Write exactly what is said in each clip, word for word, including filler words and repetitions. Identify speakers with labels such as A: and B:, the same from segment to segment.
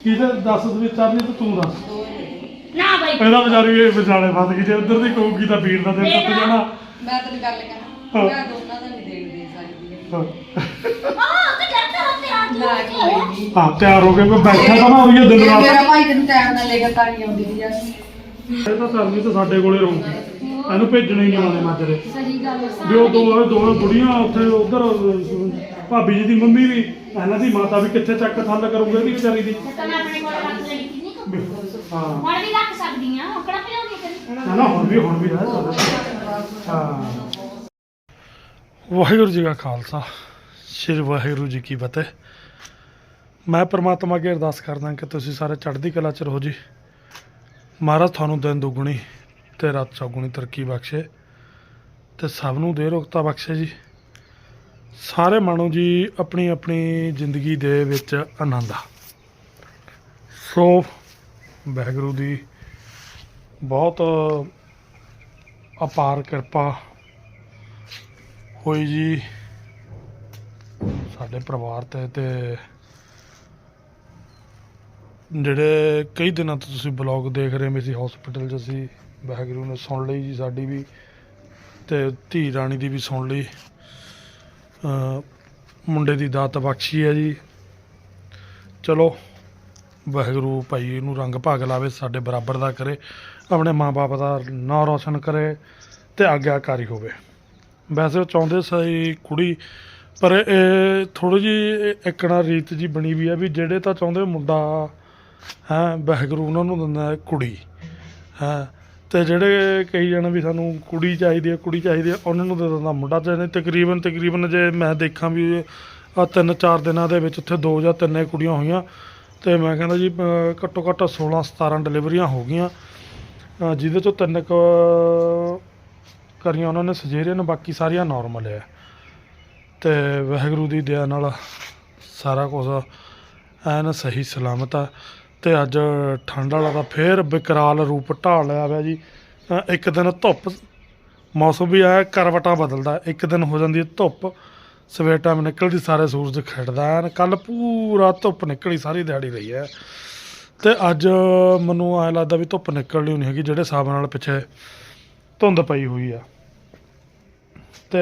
A: ਕਿਹਦੇ ਦੱਸ ਵਿੱਚ ਚਰਨੀ ਤੇ ਤੂੰ ਦੱਸ
B: ਨਾ ਬਾਈ
A: ਇਹਦਾ ਵਿਚਾਰੀ ਇਹ ਵਿਚਾਲੇ ਫਸ ਗਈ ਜੇ ਉਧਰ ਦੀ ਕਹੂਗੀ ਤਾਂ ਵੀਰ ਦਾ ਦਿਨ ਟੁੱਟ ਜਾਣਾ
C: ਮੈਂ ਤੈਨੂੰ ਗੱਲ ਕਹਾਂ ਮੈਂ ਦੋਨਾਂ ਦਾ ਨਹੀਂ ਦੇਣ ਦੇ ਸਕਦੀ
A: ਹਾਂ
B: ਹਾਂ ਤੇ ਕਰਦਾ ਹੁੰਦੇ ਆ
C: ਨਾ ਕੋਈ ਨਹੀਂ
A: ਹਾਂ ਤਿਆਰ ਹੋ ਕੇ ਕੋਈ ਬੈਠਾ ਤਾਂ ਨਾ ਹੋਈ ਦਿਨ ਰਾਤ
C: ਮੇਰਾ ਭਾਈ ਤੈਨੂੰ ਟਾਈਮ ਨਾਲ ਲੈ ਕੇ ਤਾਂ ਨਹੀਂ ਆਉਂਦੀ ਸੀ ਯਾਰ
A: ਇਹ ਤਾਂ ਸਰਨੀ ਤਾਂ ਸਾਡੇ ਕੋਲੇ ਰਹੂਗੀ ਇਹਨੂੰ ਭੇਜਣੇ ਹੀ ਨਹੀਂ ਆਉਂਦੇ ਮਾਜਰੇ
B: ਸਹੀ ਗੱਲ ਹੈ
A: ਵੀ ਉਹ ਦੋ ਦੋਵੇਂ ਬੁੜੀਆਂ ਉੱਥੇ ਉਧਰ ਭਾਬੀ ਜੀ ਦੀ ਮੰਮੀ ਵੀ ਇਹਨਾਂ ਦੀ ਮਾਤਾ ਵੀ ਕਿੱਥੇ ਚੱਕ ਥੱਲ ਕਰੂਗੇ ਇਹਦੀ ਵਿਚਾਰੀ ਦੀ
B: ਤਾਂ ਮੈਂ ਆਪਣੇ ਕੋਲ ਰੱਖ ਲੈਣੀ ਕਿੰਨੀ ਕੁ
A: ਹਾਂ
B: ਹੁਣ ਵੀ ਰੱਖ ਸਕਦੀ ਆ ਔਕੜਾ ਪਿਆਉਂਦੀ ਕਰੀ
A: ਨਾ ਨਾ ਹੁਣ ਵੀ ਹੁਣ ਵੀ ਹੈ ਹਾਂ ਵਾਹਿਗੁਰੂ ਜੀ ਕਾ ਖਾਲਸਾ ਸ਼੍ਰੀ ਵਾਹਿਗੁਰੂ ਜੀ ਕੀ ਫਤਿਹ ਮੈਂ ਪ੍ਰਮਾਤਮਾ ਅੱਗੇ ਅਰਦਾਸ ਕਰਦਾ ਕਿ ਤੁਸੀਂ ਸਾਰੇ ਚੜ੍ਹਦੀ ਕਲਾ ਚ ਰਹੋ ਜੀ ਮਹਾਰਾਜ ਤੁਹਾਨੂੰ ਦਿਨ ਦੁੱਗਣੀ ਤੇ ਰਾਤ ਚੌਗੁਣੀ ਤਰੱਕੀ ਬਖਸ਼ੇ ਤੇ ਸਭ ਨੂੰ ਦੇ ਰੋਗਤਾ ਬਖਸ਼ੇ ਜੀ ਸਾਰੇ ਮਾਣੋ ਜੀ ਆਪਣੀ ਆਪਣੀ ਜ਼ਿੰਦਗੀ ਦੇ ਵਿੱਚ ਆਨੰਦ ਆ ਸੋ ਵਾਹਿਗੁਰੂ ਦੀ ਬਹੁਤ ਅਪਾਰ ਕਿਰਪਾ ਹੋਈ ਜੀ ਸਾਡੇ ਪਰਿਵਾਰ ਤੇ ਤੇ ਜਿਹੜੇ ਕਈ ਦਿਨਾਂ ਤੋਂ ਤੁਸੀਂ ਬਲੌਗ ਦੇਖ ਰਹੇ ਮੇਰੀ ਹਸਪੀਟਲ 'ਚ ਅਸੀਂ ਵਾਹਿਗੁਰੂ ਨੇ ਸੁਣ ਲਈ ਜੀ ਸਾਡੀ ਵੀ ਤੇ ਧੀ ਰਾਣੀ ਦੀ ਵੀ ਸੁਣ ਲਈ ਮੁੰਡੇ ਦੀ ਦਾਤ ਬਖਸ਼ੀ ਹੈ ਜੀ ਚਲੋ ਵਾਹਿਗੁਰੂ ਭਾਈ ਇਹਨੂੰ ਰੰਗ ਭਾਗ ਲਾਵੇ ਸਾਡੇ ਬਰਾਬਰ ਦਾ ਕਰੇ ਆਪਣੇ ਮਾਂ-ਬਾਪ ਦਾ ਨਾਂ ਰੋਸ਼ਨ ਕਰੇ ਤੇ ਆਗਿਆਕਾਰੀ ਹੋਵੇ ਵੈਸੇ ਉਹ ਚਾਹੁੰਦੇ ਸੀ ਕੁੜੀ ਪਰ ਇਹ ਥੋੜ੍ਹੀ ਜਿਹੀ ਇੱਕਣਾ ਰੀਤ ਜੀ ਬਣੀ ਵੀ ਹੈ ਵੀ ਜਿਹੜੇ ਤਾਂ ਚਾਹੁੰਦੇ ਮੁੰਡਾ ਹੈ ਵਾਹਿਗੁਰੂ ਉਹਨਾਂ ਨੂੰ ਦਿੰਦਾ ਕੁੜੀ ਹੈ ਤੇ ਜਿਹੜੇ ਕਹੀ ਜਾਣ ਵੀ ਸਾਨੂੰ ਕੁੜੀ ਚਾਹੀਦੀ ਹੈ ਕੁੜੀ ਚਾਹੀਦੀ ਹੈ ਉਹਨਾਂ ਨੂੰ ਦੇ ਦਿੰਦਾ ਮੁੰਡਾ ਤੇ ਨਹੀਂ ਤਕਰੀਬਨ ਤਕਰੀਬਨ ਜੇ ਮੈਂ ਦੇਖਾਂ ਵੀ ਆਹ ਤਿੰਨ ਚਾਰ ਦਿਨਾਂ ਦੇ ਵਿੱਚ ਉੱਥੇ ਦੋ ਜਾਂ ਤਿੰਨੇ ਕੁੜੀਆਂ ਹੋਈਆਂ ਅਤੇ ਮੈਂ ਕਹਿੰਦਾ ਜੀ ਘੱਟੋ ਘੱਟ ਸੋਲਾਂ ਸਤਾਰਾਂ ਡਿਲੀਵਰੀਆਂ ਹੋ ਗਈਆਂ ਜਿਹਦੇ 'ਚੋਂ ਤਿੰਨ ਕੁ ਕਰੀਆਂ ਉਹਨਾਂ ਨੇ ਸਜੇਰੀਅਨ ਬਾਕੀ ਸਾਰੀਆਂ ਨੋਰਮਲ ਹੈ ਅਤੇ ਵਾਹਿਗੁਰੂ ਦੀ ਦਇਆ ਨਾਲ ਸਾਰਾ ਕੁਝ ਐਨ ਸਹੀ ਸਲਾਮਤ ਆ ਅਤੇ ਅੱਜ ਠੰਡ ਵਾਲਾ ਤਾਂ ਫੇਰ ਵਿਕਰਾਲ ਰੂਪ ਢਾਲ ਲਿਆ ਵਾ ਜੀ ਇੱਕ ਦਿਨ ਧੁੱਪ ਮੌਸਮ ਵੀ ਆਇਆ ਕਰਵਟਾਂ ਬਦਲਦਾ ਇੱਕ ਦਿਨ ਹੋ ਜਾਂਦੀ ਹੈ ਧੁੱਪ ਸਵੇਰ ਟਾਈਮ ਨਿਕਲਦੀ ਸਾਰੇ ਸੂਰਜ ਖਿੜਦਾ ਐਨ ਕੱਲ੍ਹ ਪੂਰਾ ਧੁੱਪ ਨਿਕਲੀ ਸਾਰੀ ਦਿਹਾੜੀ ਰਹੀ ਹੈ ਅਤੇ ਅੱਜ ਮੈਨੂੰ ਐਂ ਲੱਗਦਾ ਵੀ ਧੁੱਪ ਨਿਕਲਣੀ ਨਹੀਂ ਹੈਗੀ ਜਿਹੜੇ ਹਿਸਾਬ ਨਾਲ ਪਿੱਛੇ ਧੁੰਦ ਪਈ ਹੋਈ ਆ ਅਤੇ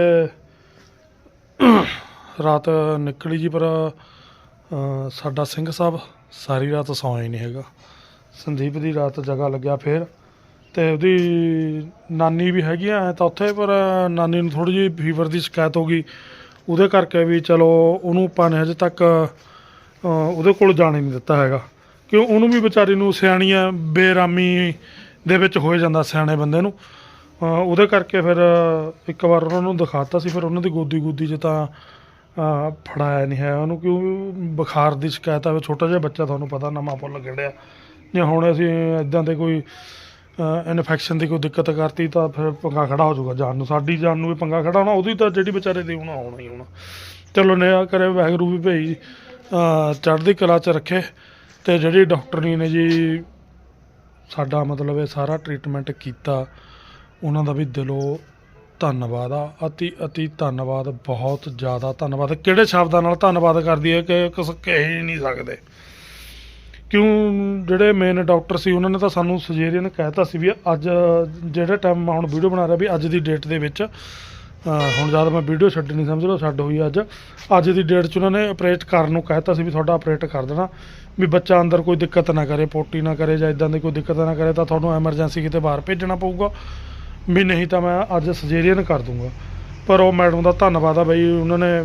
A: ਰਾਤ ਨਿਕਲੀ ਜੀ ਪਰ ਸਾਡਾ ਸਿੰਘ ਸਾਹਿਬ ਸਾਰੀ ਰਾਤ ਸੌਂ ਹੀ ਨਹੀਂ ਹੈਗਾ ਸੰਦੀਪ ਦੀ ਰਾਤ ਜਗ੍ਹਾ ਲੱਗਿਆ ਫਿਰ ਅਤੇ ਉਹਦੀ ਨਾਨੀ ਵੀ ਹੈਗੀ ਐ ਤਾਂ ਉੱਥੇ ਪਰ ਨਾਨੀ ਨੂੰ ਥੋੜ੍ਹੀ ਜਿਹੀ ਫੀਵਰ ਦੀ ਸ਼ਿਕਾਇਤ ਹੋ ਗਈ ਉਹਦੇ ਕਰਕੇ ਵੀ ਚਲੋ ਉਹਨੂੰ ਆਪਾਂ ਨੇ ਹਜੇ ਤੱਕ ਉਹਦੇ ਕੋਲ ਜਾਣ ਹੀ ਨਹੀਂ ਦਿੱਤਾ ਹੈਗਾ ਕਿਉਂ ਉਹਨੂੰ ਵੀ ਵਿਚਾਰੀ ਨੂੰ ਸਿਆਣੀਆਂ ਬੇਰਾਮੀ ਦੇ ਵਿੱਚ ਹੋ ਜਾਂਦਾ ਸਿਆਣੇ ਬੰਦੇ ਨੂੰ ਉਹਦੇ ਕਰਕੇ ਫਿਰ ਇੱਕ ਵਾਰ ਉਹਨਾਂ ਨੂੰ ਦਿਖਾਤਾ ਸੀ ਫਿਰ ਉਹਨਾਂ ਦੀ ਗੋਦੀ ਗੋਦੀ 'ਚ ਤਾਂ ਫੜਾਇਆ ਨਹੀਂ ਹੈ ਉਹਨੂੰ ਕਿਉਂ ਬੁਖਾਰ ਦੀ ਸ਼ਿਕਾਇਤ ਆਵੇ ਛੋਟਾ ਜਿਹਾ ਬੱਚਾ ਤੁਹਾਨੂੰ ਪਤਾ ਨਵਾਂ ਫੁੱਲ ਖਿੜਿਆ ਜੇ ਹੁਣ ਅਸੀਂ ਇੱਦਾਂ ਦੇ ਕੋਈ ਇਨਫੈਕਸ਼ਨ ਦੀ ਕੋਈ ਦਿੱਕਤ ਕਰਤੀ ਤਾਂ ਫਿਰ ਪੰਗਾ ਖੜਾ ਹੋ ਜਾਊਗਾ ਜਾਨ ਨੂੰ ਸਾਡੀ ਜਾਨ ਨੂੰ ਵੀ ਪੰਗਾ ਖੜਾ ਹੋਣਾ ਉਹਦੀ ਤਾਂ ਜਿਹੜੀ ਵਿਚਾਰੇ ਦੀ ਹੋਣਾ ਹੋਣਾ ਹੀ ਹੋਣਾ ਚਲੋ ਨਿਆ ਕਰੇ ਵਾਹਿਗੁਰੂ ਵੀ ਭਾਈ ਚੜ੍ਹਦੀ ਕਲਾ 'ਚ ਰੱਖੇ ਅਤੇ ਜਿਹੜੀ ਡਾਕਟਰਨੀ ਨੇ ਜੀ ਸਾਡਾ ਮਤਲਬ ਇਹ ਸਾਰਾ ਟਰੀਟਮੈਂਟ ਕੀਤਾ ਉਹਨਾਂ ਦਾ ਵੀ ਦਿਲੋਂ ਧੰਨਵਾਦ ਆ ਅਤੀ ਅਤੀ ਧੰਨਵਾਦ ਬਹੁਤ ਜ਼ਿਆਦਾ ਧੰਨਵਾਦ ਕਿਹੜੇ ਸ਼ਬਦਾਂ ਨਾਲ ਧੰਨਵਾਦ ਕਰਦੀ ਹੈ ਕਿ ਕੁਛ ਕਹਿ ਹੀ ਨਹੀਂ ਸਕਦੇ ਕਿਉਂ ਜਿਹੜੇ ਮੇਨ ਡਾਕਟਰ ਸੀ ਉਹਨਾਂ ਨੇ ਤਾਂ ਸਾਨੂੰ ਸਜੇਰੀਅਨ ਕਹਿ ਤਾ ਸੀ ਵੀ ਅੱਜ ਜਿਹੜੇ ਟਾਈਮ ਮੈਂ ਹੁਣ ਵੀਡੀਓ ਬਣਾ ਰਿਹਾ ਵੀ ਅੱਜ ਦੀ ਡੇਟ ਦੇ ਵਿੱਚ ਹੁਣ ਜਦ ਮੈਂ ਵੀਡੀਓ ਛੱਡ ਨਹੀਂ ਸਮਝ ਲਓ ਛੱਡ ਹੋਈ ਅੱਜ ਅੱਜ ਦੀ ਡੇਟ 'ਚ ਉਹਨਾਂ ਨੇ ਆਪਰੇਟ ਕਰਨ ਨੂੰ ਕਹਿ ਤਾ ਸੀ ਵੀ ਤੁਹਾਡਾ ਆਪਰੇਟ ਕਰ ਦੇਣਾ ਵੀ ਬੱਚਾ ਅੰਦਰ ਕੋਈ ਦਿੱਕਤ ਨਾ ਕਰੇ ਪੋਟੀ ਨਾ ਕਰੇ ਜਾਂ ਇੱਦਾਂ ਦੀ ਕੋਈ ਦਿੱਕਤ ਨਾ ਕਰੇ ਤਾਂ ਤੁਹਾਨੂੰ ਐਮਰਜੈਂਸੀ ਕਿਤੇ ਬਾਹਰ ਭੇਜਣਾ ਪਊਗਾ ਵੀ ਨਹੀਂ ਤਾਂ ਮੈਂ ਅੱਜ ਸਜੇਰੀਅਨ ਕਰ ਦੂੰਗਾ ਪਰ ਉਹ ਮੈਡਮ ਦਾ ਧੰਨਵਾਦ ਆ ਬਈ ਉਹਨਾਂ ਨੇ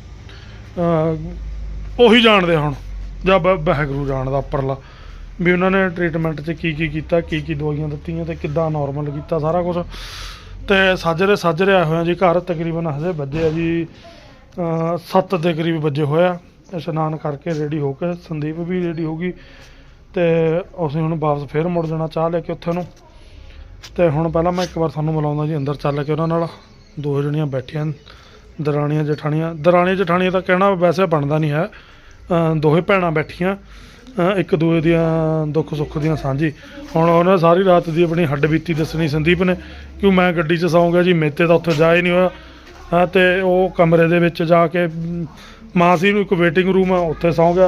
A: ਉਹੀ ਜਾਣਦੇ ਹੁਣ ਜਾਂ ਵਾਹਿਗੁਰੂ ਜਾਣਦਾ ਉੱਪਰਲਾ ਵੀ ਉਹਨਾਂ ਨੇ ਟਰੀਟਮੈਂਟ 'ਚ ਕੀ ਕੀ ਕੀਤਾ ਕੀ ਕੀ ਦਵਾਈਆਂ ਦਿੱਤੀਆਂ ਅਤੇ ਕਿੱਦਾਂ ਨੋਰਮਲ ਕੀਤਾ ਸਾਰਾ ਕੁਛ ਅਤੇ ਸਾਜਰੇ ਸਾਜਰੇ ਆਏ ਹੋਏ ਆ ਜੀ ਘਰ ਤਕਰੀਬਨ ਹਜੇ ਵੱਜੇ ਆ ਜੀ ਸੱਤ ਦੇ ਕਰੀਬ ਵੱਜੇ ਹੋਇਆ ਇਸ਼ਨਾਨ ਕਰਕੇ ਰੈਡੀ ਹੋ ਕੇ ਸੰਦੀਪ ਵੀ ਰੈਡੀ ਹੋ ਗਈ ਅਤੇ ਅਸੀਂ ਹੁਣ ਵਾਪਸ ਫੇਰ ਮੁੜ ਜਾਣਾ ਚਾਹ ਲੈ ਕੇ ਉੱਥੇ ਨੂੰ ਅਤੇ ਹੁਣ ਪਹਿਲਾਂ ਮੈਂ ਇੱਕ ਵਾਰ ਤੁਹਾਨੂੰ ਮਿਲਾਉਂਦਾ ਜੀ ਅੰਦਰ ਚੱਲ ਕੇ ਉਹਨਾਂ ਨਾਲ ਦੋ ਜਣੀਆਂ ਬੈਠੀਆਂ ਦਰਾਣੀਆਂ ਜਠਾਣੀਆਂ ਦਰਾਣੀਆਂ ਜਠਾਣੀਆਂ ਤਾਂ ਕਹਿਣਾ ਵੈਸੇ ਬਣਦਾ ਨਹੀਂ ਹੈ ਦੋਹੇ ਭੈਣਾਂ ਬੈਠੀਆਂ ਇੱਕ ਦੂਏ ਦੀਆਂ ਦੁੱਖ ਸੁੱਖ ਦੀਆਂ ਸਾਂਝੀ ਹੁਣ ਉਹਨੇ ਸਾਰੀ ਰਾਤ ਦੀ ਆਪਣੀ ਹੱਡ ਬੀਤੀ ਦੱਸਣੀ ਸੰਦੀਪ ਨੇ ਕਿਉਂ ਮੈਂ ਗੱਡੀ 'ਚ ਸੌਂ ਗਿਆ ਜੀ ਮੇਤੇ ਤਾਂ ਉੱਥੇ ਜਾ ਹੀ ਨਹੀਂ ਹੋਇਆ ਹਾਂ ਅਤੇ ਉਹ ਕਮਰੇ ਦੇ ਵਿੱਚ ਜਾ ਕੇ ਮਾਸੀ ਨੂੰ ਇੱਕ ਵੇਟਿੰਗ ਰੂਮ ਆ ਉੱਥੇ ਸੌਂ ਗਿਆ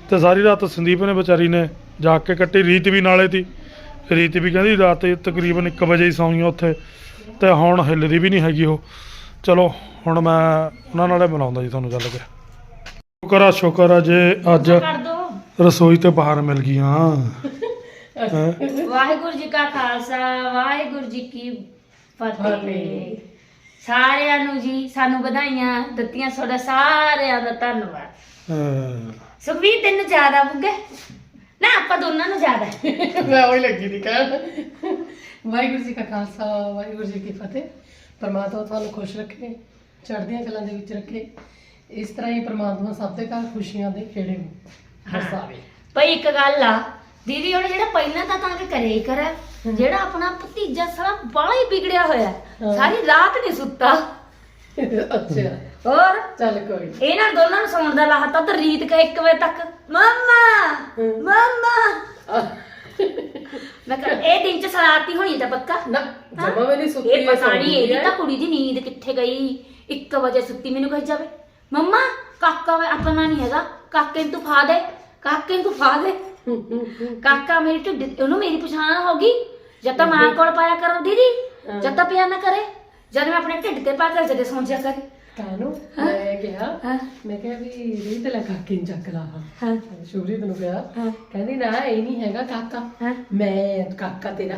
A: ਤੇ ਸਾਰੀ ਰਾਤ ਸੰਦੀਪ ਨੇ ਵਿਚਾਰੀ ਨੇ ਜਾਗ ਕੇ ਕੱਟੀ। ਰੀਤ ਵੀ ਨਾਲੇ ਤੀ, ਰੀਤ ਵੀ ਕਹਿੰਦੀ ਰਾਤ ਤਕਰੀਬਨ ਇੱਕ ਵਜੇ ਹੀ ਸੌਂਈਆਂ ਉੱਥੇ, ਤੇ ਹੁਣ ਹਿੱਲਦੀ ਵੀ ਨਹੀਂ ਹੈਗੀ ਉਹ। ਚਲੋ ਹੁਣ ਮੈਂ ਉਹਨਾਂ ਨਾਲੇ ਬਣਾਉਂਦਾ ਜੀ ਤੁਹਾਨੂੰ ਚੱਲ ਕੇ। ਸ਼ੁਕਰ ਆ ਸ਼ੁਕਰ ਆ ਜੇ ਅੱਜ
B: ਕਰ ਦੋ।
A: ਰਸੋਈ ਤੇ ਬਾਹਰ ਮਿਲ ਗਈਆਂ। ਹੈਂ?
B: ਵਾਹਿਗੁਰੂ ਜੀ ਕਾ ਖਾਲਸਾ ਵਾਹਿਗੁਰੂ ਜੀ ਕੀ ਫਤਿਹ। ਸਾਰਿਆਂ ਨੂੰ ਜੀ ਸਾਨੂੰ ਵਧਾਈਆਂ ਦਿੱਤੀਆਂ, ਤੁਹਾਡਾ ਸਾਰਿਆਂ ਦਾ ਧੰਨਵਾਦ।
A: ਹਾਂ।
B: ਸੁਖਵੀਰ ਤੈਨੂੰ ਜ਼ਿਆਦਾ ਬੁੱਗੇ ਨਾ, ਆਪਾਂ ਦੋਨਾਂ ਨੂੰ ਜ਼ਿਆਦਾ।
C: ਮੈਂ ਉਹੀ ਲੱਗੀ ਦੀ ਕਹਿਣ। ਵਾਹਿਗੁਰੂ ਜੀ ਕਾ ਖਾਲਸਾ ਵਾਹਿਗੁਰੂ ਜੀ ਕੀ ਫਤਿਹ। ਪਰਮਾਤਮਾ ਤੁਹਾਨੂੰ ਖੁਸ਼ ਰੱਖੇ, ਚੜ੍ਹਦੀਆਂ ਕਲਾਂ ਦੇ ਵਿੱਚ ਰੱਖੇ। ਇਸ ਤਰ੍ਹਾਂ ਹੀ ਪਰਮਾਤਮਾ ਸਭ ਦੇ ਘਰ ਖੁਸ਼ੀਆਂ ਦੇ ਖੇੜੇ ਵਰਸਾਵੇ।
B: ਭਾਈ ਇੱਕ ਗੱਲ ਆ ਦੀਦੀ, ਉਹਨੇ ਜਿਹੜਾ ਪਹਿਲਾਂ ਤਾਂ ਤਾਂ ਕਿ ਕਰੇ ਹੀ ਕਰਾ, ਜਿਹੜਾ ਆਪਣਾ ਭਤੀਜਾ ਸਾਲਾ ਬਾਲਾ ਹੀ ਵਿਗੜਿਆ ਹੋਇਆ, ਸਾਰੀ ਰਾਤ ਨਹੀਂ ਸੁੱਤਾ।
C: ਅੱਛਾ
B: ਹੋਰ
C: ਚੱਲ ਕੋਈ
B: ਇਹਨਾਂ ਦੋਨਾਂ ਨੂੰ ਸੌਣ ਦਾ ਲਾਹਤਾ ਤਾਂ ਰੀਤ ਕਾ ਇੱਕ ਵਜੇ ਤੱਕ ਮੰਮਾ ਮੰਮਾ। ਮੈਂ ਕਿਹਾ ਇਹ ਦਿਨ ਚ ਸਰਾਰਤੀ ਹੋਣੀ ਤਾਂ ਪੱਕਾ
C: ਨਾ ਜਮਾ ਵੀ ਨਹੀਂ ਸੁੱਤੀ।
B: ਇਹ ਪਤਾ ਨਹੀਂ ਇਹਦੀ ਤਾਂ ਕੁੜੀ ਦੀ ਨੀਂਦ ਕਿੱਥੇ ਗਈ। ਇੱਕ ਵਜੇ ਸੁੱਤੀ, ਮੈਨੂੰ ਕਹੀ ਜਾਵੇ ਮੰਮਾ ਕਾਕਾ ਵੇ ਆਪਣਾ ਨਹੀਂ ਹੈਗਾ, ਕਾਕੇ ਨੂੰ ਤੂੰ ਫਾ ਦੇ, ਕਾਕੇ ਨੂੰ ਤੂੰ ਫਾ ਦੇ। ਕਾਕਾ ਮੇਰੀ ਢਿੱਡ, ਉਹਨੂੰ ਮੇਰੀ ਪਛਾਣ ਹੋ ਗਈ। ਜਦ ਤਾਂ ਮਾਂ ਕੋਲ ਪਾਇਆ ਕਰੋ ਦੀਦੀ, ਜਦ ਤਾਂ ਪਿਆ ਨਾ ਕਰੇ, ਜਦ ਮੈਂ ਆਪਣੇ ਢਿੱਡ ਤੇ ਪਾ ਕੇ ਜਦੇ ਸੌਂ ਜਾ ਕਰੇ।
C: ਕਾਨੂੰ ਮੈਂ ਕਿਹਾ ਮੈਂ ਕਿਹਾ ਵੀ ਰੀਤ ਲੈ ਕਾਕੇ ਨੂੰ ਚੱਕ ਲਾ।
B: ਹਾਂ
C: ਸ਼ੁਭਰੀਤ ਨੂੰ ਕਿਹਾ, ਕਹਿੰਦੀ ਨਾ ਇਹ ਨਹੀਂ ਹੈਗਾ ਕਾਕਾ, ਮੈਂ ਕਾਕਾ ਤੇਰਾ।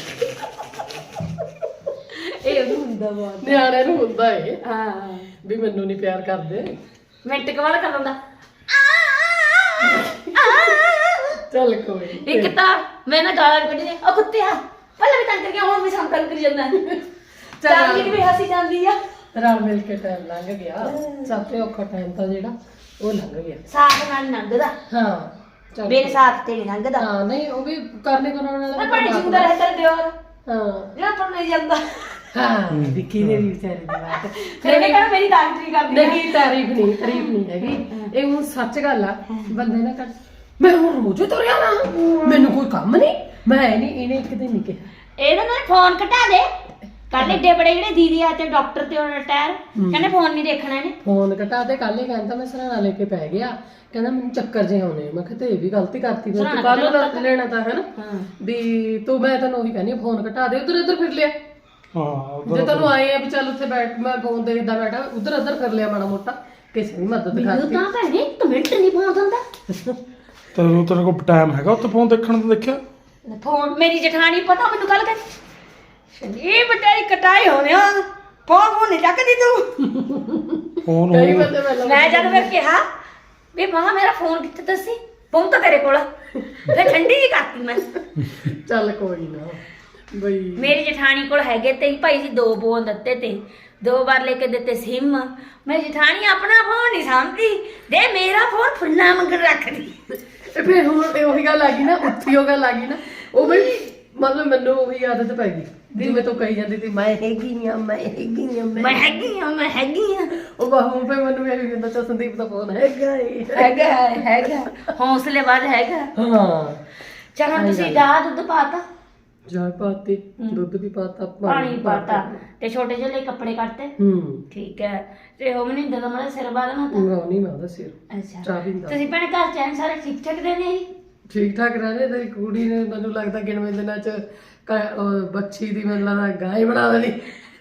B: ਇਹ ਉਹਨੂੰ ਹੁੰਦਾ ਬਹੁਤ,
C: ਨਿਆਣਿਆਂ ਨੂੰ ਹੁੰਦਾ ਏ
B: ਹਾਂ
C: ਵੀ ਮੈਨੂੰ ਨਹੀਂ ਪਿਆਰ ਕਰਦੇ।
B: ਮਿੰਟ ਕਵਾਲ ਕਰ ਦਿੰਦਾ।
C: ਚੱਲ ਕੋਈ
B: ਇੱਕ ਤਾਂ ਮੈਂ ਨਾ ਗਾਲਾਂ ਕੱਢੀ ਨੇ, ਉਹ ਕੁੱਤਿਆ ਪਹਿਲਾਂ ਵੀ ਤੰਗ ਕਰ ਗਿਆ, ਹੁਣ ਵੀ ਸੰਕਲ ਕਰੀ ਜਾਂਦਾ। ਚਾਲੀ ਵੀ ਹੱਸੀ ਜਾਂਦੀ ਆ।
C: ਰਲ ਮਿਲ ਕੇ ਟਾਈਮ ਲੰਘ ਗਿਆ। ਸਭ ਤੋਂ ਔਖਾ ਟਾਈਮ ਤਾਂ ਜਿਹੜਾ ਉਹ ਲੰਘ ਗਿਆ।
B: ਸਾਥ ਨਾਲ ਲੰਘਦਾ,
C: ਹਾਂ ਚੱਲ
B: ਮੇਰੇ ਸਾਥ ਤੇ ਨਹੀਂ ਲੰਘਦਾ।
C: ਹਾਂ ਨਹੀਂ ਉਹ ਵੀ ਕਰਨੇ ਕਰਾਉਣ
B: ਮੈਂ
C: ਵਾਲਾ
B: ਪਾਣੀ ਜਿੰਦਾ ਰਹਿ ਕਰ ਦਿਓ,
C: ਹਾਂ
B: ਜਿਹੜਾ ਪਰ ਨਹੀਂ ਜਾਂਦਾ।
C: ਹਾਂ ਵਿੱਕੀ ਨੇ ਵੀ ਵਿਚਾਰੇ ਦੀ ਬਾਤ
B: ਫਿਰ ਇਹ ਕਹਿੰਦਾ ਮੇਰੀ ਤਾਰੀਫ ਨਹੀਂ ਕਰਦੀ।
C: ਨਹੀਂ ਤਾਰੀਫ ਨਹੀਂ ਤਾਰੀਫ ਨਹੀਂ ਹੈਗੀ ਇਹ ਹੁਣ ਸੱਚ ਗੱਲ ਆ। ਬੰਦੇ ਨਾ ਕਰ ਮੈਂ ਹੁਣ ਰੋਜ਼ ਤੁਰਿਆ ਨਾ, ਮੈਨੂੰ ਕੋਈ ਕੰਮ ਨਹੀਂ, ਮੈਂ ਨਹੀਂ। ਇਹਨੇ ਇੱਕ ਦਿਨ ਨਹੀਂ ਕਿਹਾ
B: ਇਹਦੇ ਨਾਲ ਫੋਨ ਘਟਾ ਦੇ। ਕੱਲ ਏਡੇ ਬੜੇ ਜਿਹੜੇ ਦੀਦੀ ਆ ਤੇ ਡਾਕਟਰ ਤੇ ਉਹ ਰਿਟਾਇਰ ਕਹਿੰਦੇ ਫੋਨ ਨਹੀਂ ਦੇਖਣਾ ਇਹਨੇ।
C: ਫੋਨ ਘਟਾ ਦੇ। ਕੱਲ ਹੀ ਕਹਿੰਦਾ ਮੈਂ ਸਰਾਣਾ ਲੈ ਕੇ ਪੈ ਗਿਆ, ਕਹਿੰਦਾ ਮੈਨੂੰ ਚੱਕਰ ਜੇ ਆਉਣੇ। ਮੈਂ ਕਿਹਾ ਤੇ ਇਹ ਵੀ ਗਲਤੀ ਕਰਤੀ, ਮੈਂ ਤੂੰ ਕੱਲ ਲੈਣਾ ਤਾਂ ਹੈ ਨਾ ਵੀ ਤੂੰ। ਮੈਂ ਤੈਨੂੰ ਉਹੀ ਕਹਿੰਦੀ ਫੋਨ ਘਟਾ ਦੇ। ਉਧਰ ਇੱਧਰ ਫਿਰ ਲਿਆ।
A: ਹਾਂ
C: ਜੇ ਤੈਨੂੰ ਆਏ ਆ ਵੀ ਚੱਲ ਉੱਥੇ ਬੈਠ, ਮੈਂ ਫੋਨ ਦੇਖਦਾ ਬੈਠਾ, ਉਧਰ ਇੱਧਰ ਕਰ ਲਿਆ ਮਾੜਾ ਮੋਟਾ, ਕਿਸੇ ਦੀ ਮਦਦ ਕਰਤੀ।
B: ਤਾਂ ਭੈਣੇ ਇੱਕ ਮਿੰਟ ਨਹੀਂ ਫੋਨ ਦਿੰਦਾ।
A: ਤੈਨੂੰ ਤੇਰੇ ਕੋਲ ਟਾਈਮ ਹੈਗਾ ਉੱਥੇ ਫੋਨ ਦੇਖਣ ਦਾ? ਦੇਖਿਆ
B: ਫੋਨ ਮੇਰੀ ਜਠਾਣੀ ਪਤਾ ਮੈਨੂੰ ਕੱਲ ਕਹਿੰਦੀ ਇਹ ਬਟਾਈ ਕਟਾਈ ਹੋਣੇ ਆ, ਫੋਨ ਫੋਨ ਨਹੀਂ ਚੱਕਦੀ ਤੂੰ।
A: ਫੋਨ
C: ਕਈ ਬੰਦੇ ਪਹਿਲਾਂ
B: ਮੈਂ ਜਦ ਫਿਰ ਕਿਹਾ ਵੀ ਮਾਂ ਮੇਰਾ ਫੋਨ ਕਿੱਥੇ ਦੱਸੀ, ਫੋਨ ਤਾਂ ਤੇਰੇ ਕੋਲ। ਤੇ ਠੰਡੀ ਜੀ ਕਰਤੀ ਮੈਂ।
C: ਚੱਲ ਕੋਈ ਨਾ ਬਈ
B: ਮੇਰੀ ਜਠਾਣੀ ਕੋਲ ਹੈਗੇ ਤੇ ਭਾਈ ਜੀ ਦੋ ਫੋਨ ਦਿੱਤੇ ਤੇ ਦੋ ਵਾਰ ਲੈ ਕੇ ਦਿੱਤੇ ਸਿਮ। ਮੇਰੀ ਜਠਾਣੀ ਆਪਣਾ ਫੋਨ ਨਹੀਂ ਸਾਂਭਦੀ, ਦੇ ਮੇਰਾ ਫੋਨ ਫੁੱਲਾਂ ਮੰਗਣ ਰੱਖਦੀ।
C: ਤੇ ਫਿਰ ਹੁਣ ਇਹ ਉਹੀ ਗੱਲ ਆ ਗਈ ਨਾ, ਉੱਥੀ ਉਹ ਗੱਲ ਆ ਗਈ ਨਾ। ਉਹ ਬਈ ਮਤਲਬ ਮੈਨੂੰ ਉਹੀ ਆਦਤ ਪੈ ਗਈ ਜਿਵੇਂ ਤੂੰ ਕਹੀ ਜਾਂਦੀ ਸੀ ਮੈਂ ਹੈਗੀ ਆ ਮੈਂ ਹੈਗੀ ਆ
B: ਮੈਂ ਹੈਗੀ ਆ ਮੈਂ ਹੈਗੀ ਆ।
C: ਉਹ ਬਾਹੂ ਪੇ ਮੈਨੂੰ ਇਹ ਵੀ ਕਹਿੰਦਾ ਚਾ ਸੰਦੀਪ ਦਾ ਫੋਨ ਹੈਗਾ ਏ।
B: ਹੈਗਾ ਹੈਗਾ ਹੌਸਲੇ ਬਾਦ ਹੈਗਾ।
C: ਹਾਂ
B: ਚਲੋ ਤੁਸੀਂ ਦਾ ਦੁੱਧ ਪਾਤਾ,
C: ਚਾਹ ਪਾਤੀ, ਦੁੱਧ ਵੀ ਪਾਤਾ,
B: ਪਾਣੀ ਪਾਤਾ ਤੇ ਛੋਟੇ ਜਿਹੇ ਲਈ ਕੱਪੜੇ ਕੱਢਤੇ।
C: ਹੂੰ
B: ਠੀਕ ਹੈ। ਤੇ ਉਹ ਮਨਿੰਦਰ ਦਾ ਮੇਰਾ ਸਿਰ ਬਾਲਣਾ ਤਾਂ
C: ਉਹ ਨਹੀਂ ਮੈਂ ਉਹਦਾ ਸਿਰ
B: ਅੱਛਾ।
C: ਚਾਹ ਪੀਂਦਾ।
B: ਤੁਸੀਂ ਭੈਣੇ ਘਰ ਚੈਨ ਸਾਰੇ ਠੀਕ ਠਾਕ ਦੇ ਨੇ ਜੀ?
C: ਠੀਕ ਠਾਕ ਰਹਿੰਦੇ। ਤੇਰੀ ਕੁੜੀ ਨੇ ਮੈਨੂੰ ਲੱਗਦਾ ਗਿਣਵੇਂ ਦਿਨਾਂ ਚ ਕ- ਉਹ ਬੱਚੀ ਦੀ ਮੈਨੂੰ ਲੱਗਦਾ ਗਾਂ ਹੀ ਬਣਾ ਦੇਣੀ।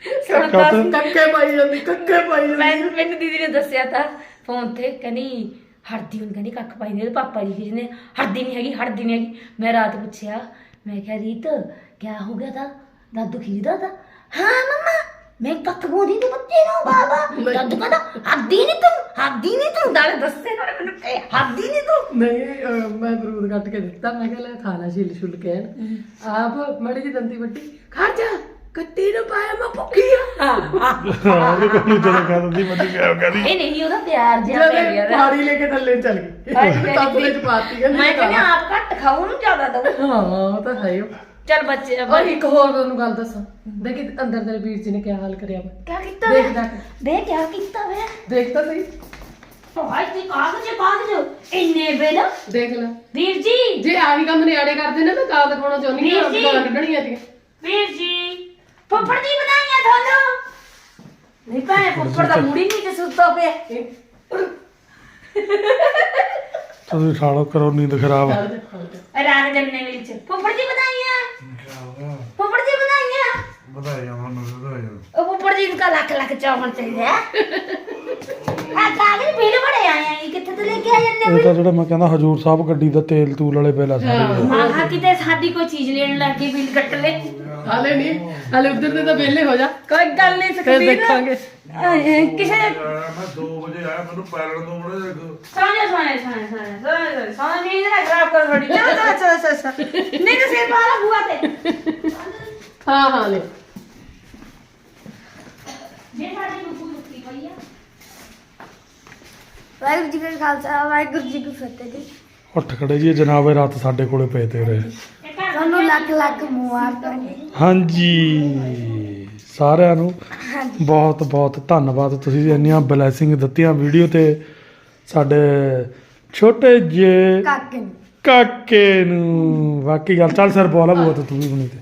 C: ਕੱਕੇ ਪਾਈ ਜਾਂਦੀ ਕੱਕੇ ਪਾਈ ਜਾਂਦੀ।
B: ਮੈਨੂੰ ਮੈਨੂੰ ਦੀਦੀ ਨੇ ਦੱਸਿਆ ਤਾਂ ਫੋਨ ਤੇ, ਕਹਿੰਦੀ ਹੜਦੀ ਹੁਣ ਕਹਿੰਦੀ ਕੱਖ ਪਾਈ ਨਹੀਂ। ਪਾਪਾ ਜੀ ਕਹਿੰਦੇ ਹੜਦੀ ਨਹੀਂ ਹੈਗੀ ਹੜਦੀ ਨਹੀਂ ਹੈਗੀ। ਮੈਂ ਰਾਤ ਪੁੱਛਿਆ, ਮੈਂ ਕਿਹਾ ਰੀਤ ਕਿਆ ਹੋ ਗਿਆ था, दादू खींचता था। हाँ मम्मा मैं कख बोली तो बच्चे नो बाबा। दादू कहता हद्दी नहीं तुम हद्दी नहीं तुम दाल दस्से ना मैंने कहा हद्दी नहीं तुम।
C: नहीं मैं बरूद कट के दिता, मैं कहा ले खा ला छिल छुल के आप मड़ी जी दंती बट्टी खा जा ਕੱਟੀ ਨੂੰ ਪਾਇਆ ਮੈਂ ਭੁੱਖੀ ਆ।
A: ਉਹਦੇ ਕੋਲ ਨੂੰ ਜਦੋਂ ਕਹਿ ਦਿੰਦੀ ਮੈਂ ਕਿਹਾ ਕਹਿੰਦੀ
B: ਇਹ ਨਹੀਂ ਉਹਦਾ ਪਿਆਰ ਜਿਹਾ ਪੈ ਗਿਆ।
C: ਪਾਣੀ ਲੈ ਕੇ ਥੱਲੇ ਚੱਲ ਗਈ, ਕੱਪ ਵਿੱਚ ਪਾਤੀ ਕਹਿੰਦੀ
B: ਮੈਂ ਕਹਿੰਦੀ ਆਪ ਘੱਟ ਖਾਓ ਨੂੰ ਜ਼ਿਆਦਾ ਦਊ।
C: ਹਾਂ ਉਹ ਤਾਂ ਹੈ।
B: ਚੱਲ ਬੱਚੇ
C: ਔਰ ਇੱਕ ਹੋਰ ਤੁਹਾਨੂੰ ਗੱਲ ਦੱਸਾਂ, ਦੇਖੀ ਅੰਦਰ ਤੇਰੇ ਵੀਰ ਜੀ ਨੇ ਕਿਆ ਹਾਲ ਕਰਿਆ ਵਾ।
B: ਕਿਆ ਕੀਤਾ
C: ਦੇਖ
B: ਵੇ
C: ਦੇਖ
B: ਦੇ ਕਿਆ ਕੀਤਾ ਵੇ
C: ਦੇਖ ਤਾਂ ਸਹੀ।
B: ਹਾਏ ਤੇ ਕਾਗਜ਼ ਕਾਗਜ਼ ਇੰਨੇ ਬਿਲ
C: ਦੇਖ ਲੈ
B: ਵੀਰ ਜੀ।
C: ਜੇ ਆਹੀ ਕੰਮ ਨਿਆੜੇ ਕਰਦੇ ਨੇ ਮੈਂ ਗਾਲ ਦਿਖਾਉਣਾ ਚਾਹੁੰਦੀ ਹਾਂ,
B: ਵੀਰ ਜੀ।
C: ਗਾਲਾਂ ਕੱਢਣੀਆਂ ਸੀ।
B: ਵੀਰ ਜੀ ਫੁੱਫੜ ਦੀ ਬਣਾਈਆਂ ਤੁਹਾਨੂੰ ਨਹੀਂ ਭੈਣੇ ਫੁੱਫੜ ਦਾ ਮੂੜੀ ਨਹੀਂ ਤੇ ਸੁੱਤਾ ਪਿਆ।
A: ਤੁਸੀਂ ਖਾ ਲਓ ਕਰੋ ਨੀਂਦ ਖਰਾਬ।
B: ਰਾਤ ਜੰਨੇ ਵਿੱਚ ਫੁੱਫੜ ਜੀ ਵਧਾਈਆਂ ਫੁੱਫੜ ਜੀ ਵਧਾਈਆਂ
A: ਵਧਾਈਆਂ ਤੁਹਾਨੂੰ ਵਧਾਈਆਂ।
B: ਉਹ ਫੁੱਫੜ ਜੀ ਨੂੰ ਤਾਂ ਲੱਖ ਲੱਖ ਚਾਵਣ ਚਾਹੀਦੇ ਆ ਆ ਕਾਗਜ਼ ਬਿੱਲ ਬੜੇ ਆਏ ਆ ਇਹ ਕਿੱਥੇ ਤੋਂ ਲੈ ਕੇ ਆ ਜਾਂਦੇ
A: ਇਹ ਤਾਂ ਜਿਹੜਾ ਮੈਂ ਕਹਿੰਦਾ ਹਜੂਰ ਸਾਹਿਬ ਗੱਡੀ ਦਾ ਤੇਲ ਤੂਲ ਵਾਲੇ ਬਿੱਲ ਆ ਸਾਰੇ।
B: ਮਾਹਾ ਕਿਤੇ ਸਾਡੀ ਕੋਈ ਚੀਜ਼ ਲੈਣ ਲੱਗ ਗਈ ਬਿੱਲ ਕੱਟ ਲੈ
C: ਹਾਲੇ ਨਹੀਂ ਹਾਲੇ ਉਧਰ ਦੇ ਤਾਂ ਵਿਹਲੇ ਹੋ ਜਾ
B: ਕੋਈ ਗੱਲ ਨਹੀਂ
C: ਫਿਰ
B: ਸਕਦੀ
C: ਦੇਖਾਂਗੇ।
B: ਕਿਸੇ
A: ਮੈਂ ਦੋ ਵਜੇ ਆਇਆ ਮੈਨੂੰ ਪੈਲਣ ਤੋਂ ਬੜੇ
B: ਸੋਨੇ ਸੋਨੇ ਸੋਨੇ ਸੋਨੇ ਸੋਨੇ ਨੀਂਦ ਨਾ ਖਰਾਬ ਕਰ ਥੋੜੀ ਚਲੋ ਚਲੋ ਚਲੋ ਚਲੋ ਨਹੀਂ ਤਾਂ ਸਿਰ ਪਾਲਾ ਬੁਆ ਤੇ
C: ਹਾਂ ਹਾਂ ਲੈ
B: ਜੇ ਸਾਡੀ ਬੁੱਕੂ ਰੁਕੀ ਪਈ ਆ ਵਾਹਿਗੁਰੂ ਜੀ ਕਾ ਖਾਲਸਾ ਵਾਹਿਗੁਰੂ ਜੀ ਕੀ ਫਤਿਹ ਜੀ
A: ਉੱਠ ਖੜੇ ਜੀ ਜਨਾਬ ਇਹ ਰਾਤ ਸਾਡੇ ਕੋਲੇ ਪਏ ਤੇ ਰਹੇ।
B: ਤੁਹਾਨੂੰ ਲੱਖ ਲੱਖ ਮੁਬਾਰਕਾਂ
A: ਹਾਂਜੀ ਸਾਰਿਆਂ ਨੂੰ ਬਹੁਤ ਬਹੁਤ ਧੰਨਵਾਦ ਤੁਸੀਂ ਇੰਨੀਆਂ ਬਲੇਸਿੰਗ ਦਿੱਤੀਆਂ ਵੀਡੀਓ ਤੇ ਸਾਡੇ ਛੋਟੇ ਜਿਹੇ
B: ਕਾਕੇ ਨੂੰ
A: ਕਾਕੇ ਨੂੰ। ਬਾਕੀ ਗੱਲ ਚੱਲ ਸਰ ਬੋਲਾ ਬੋਤ ਤੂੰ ਵੀ ਬਣੀ ਤੇ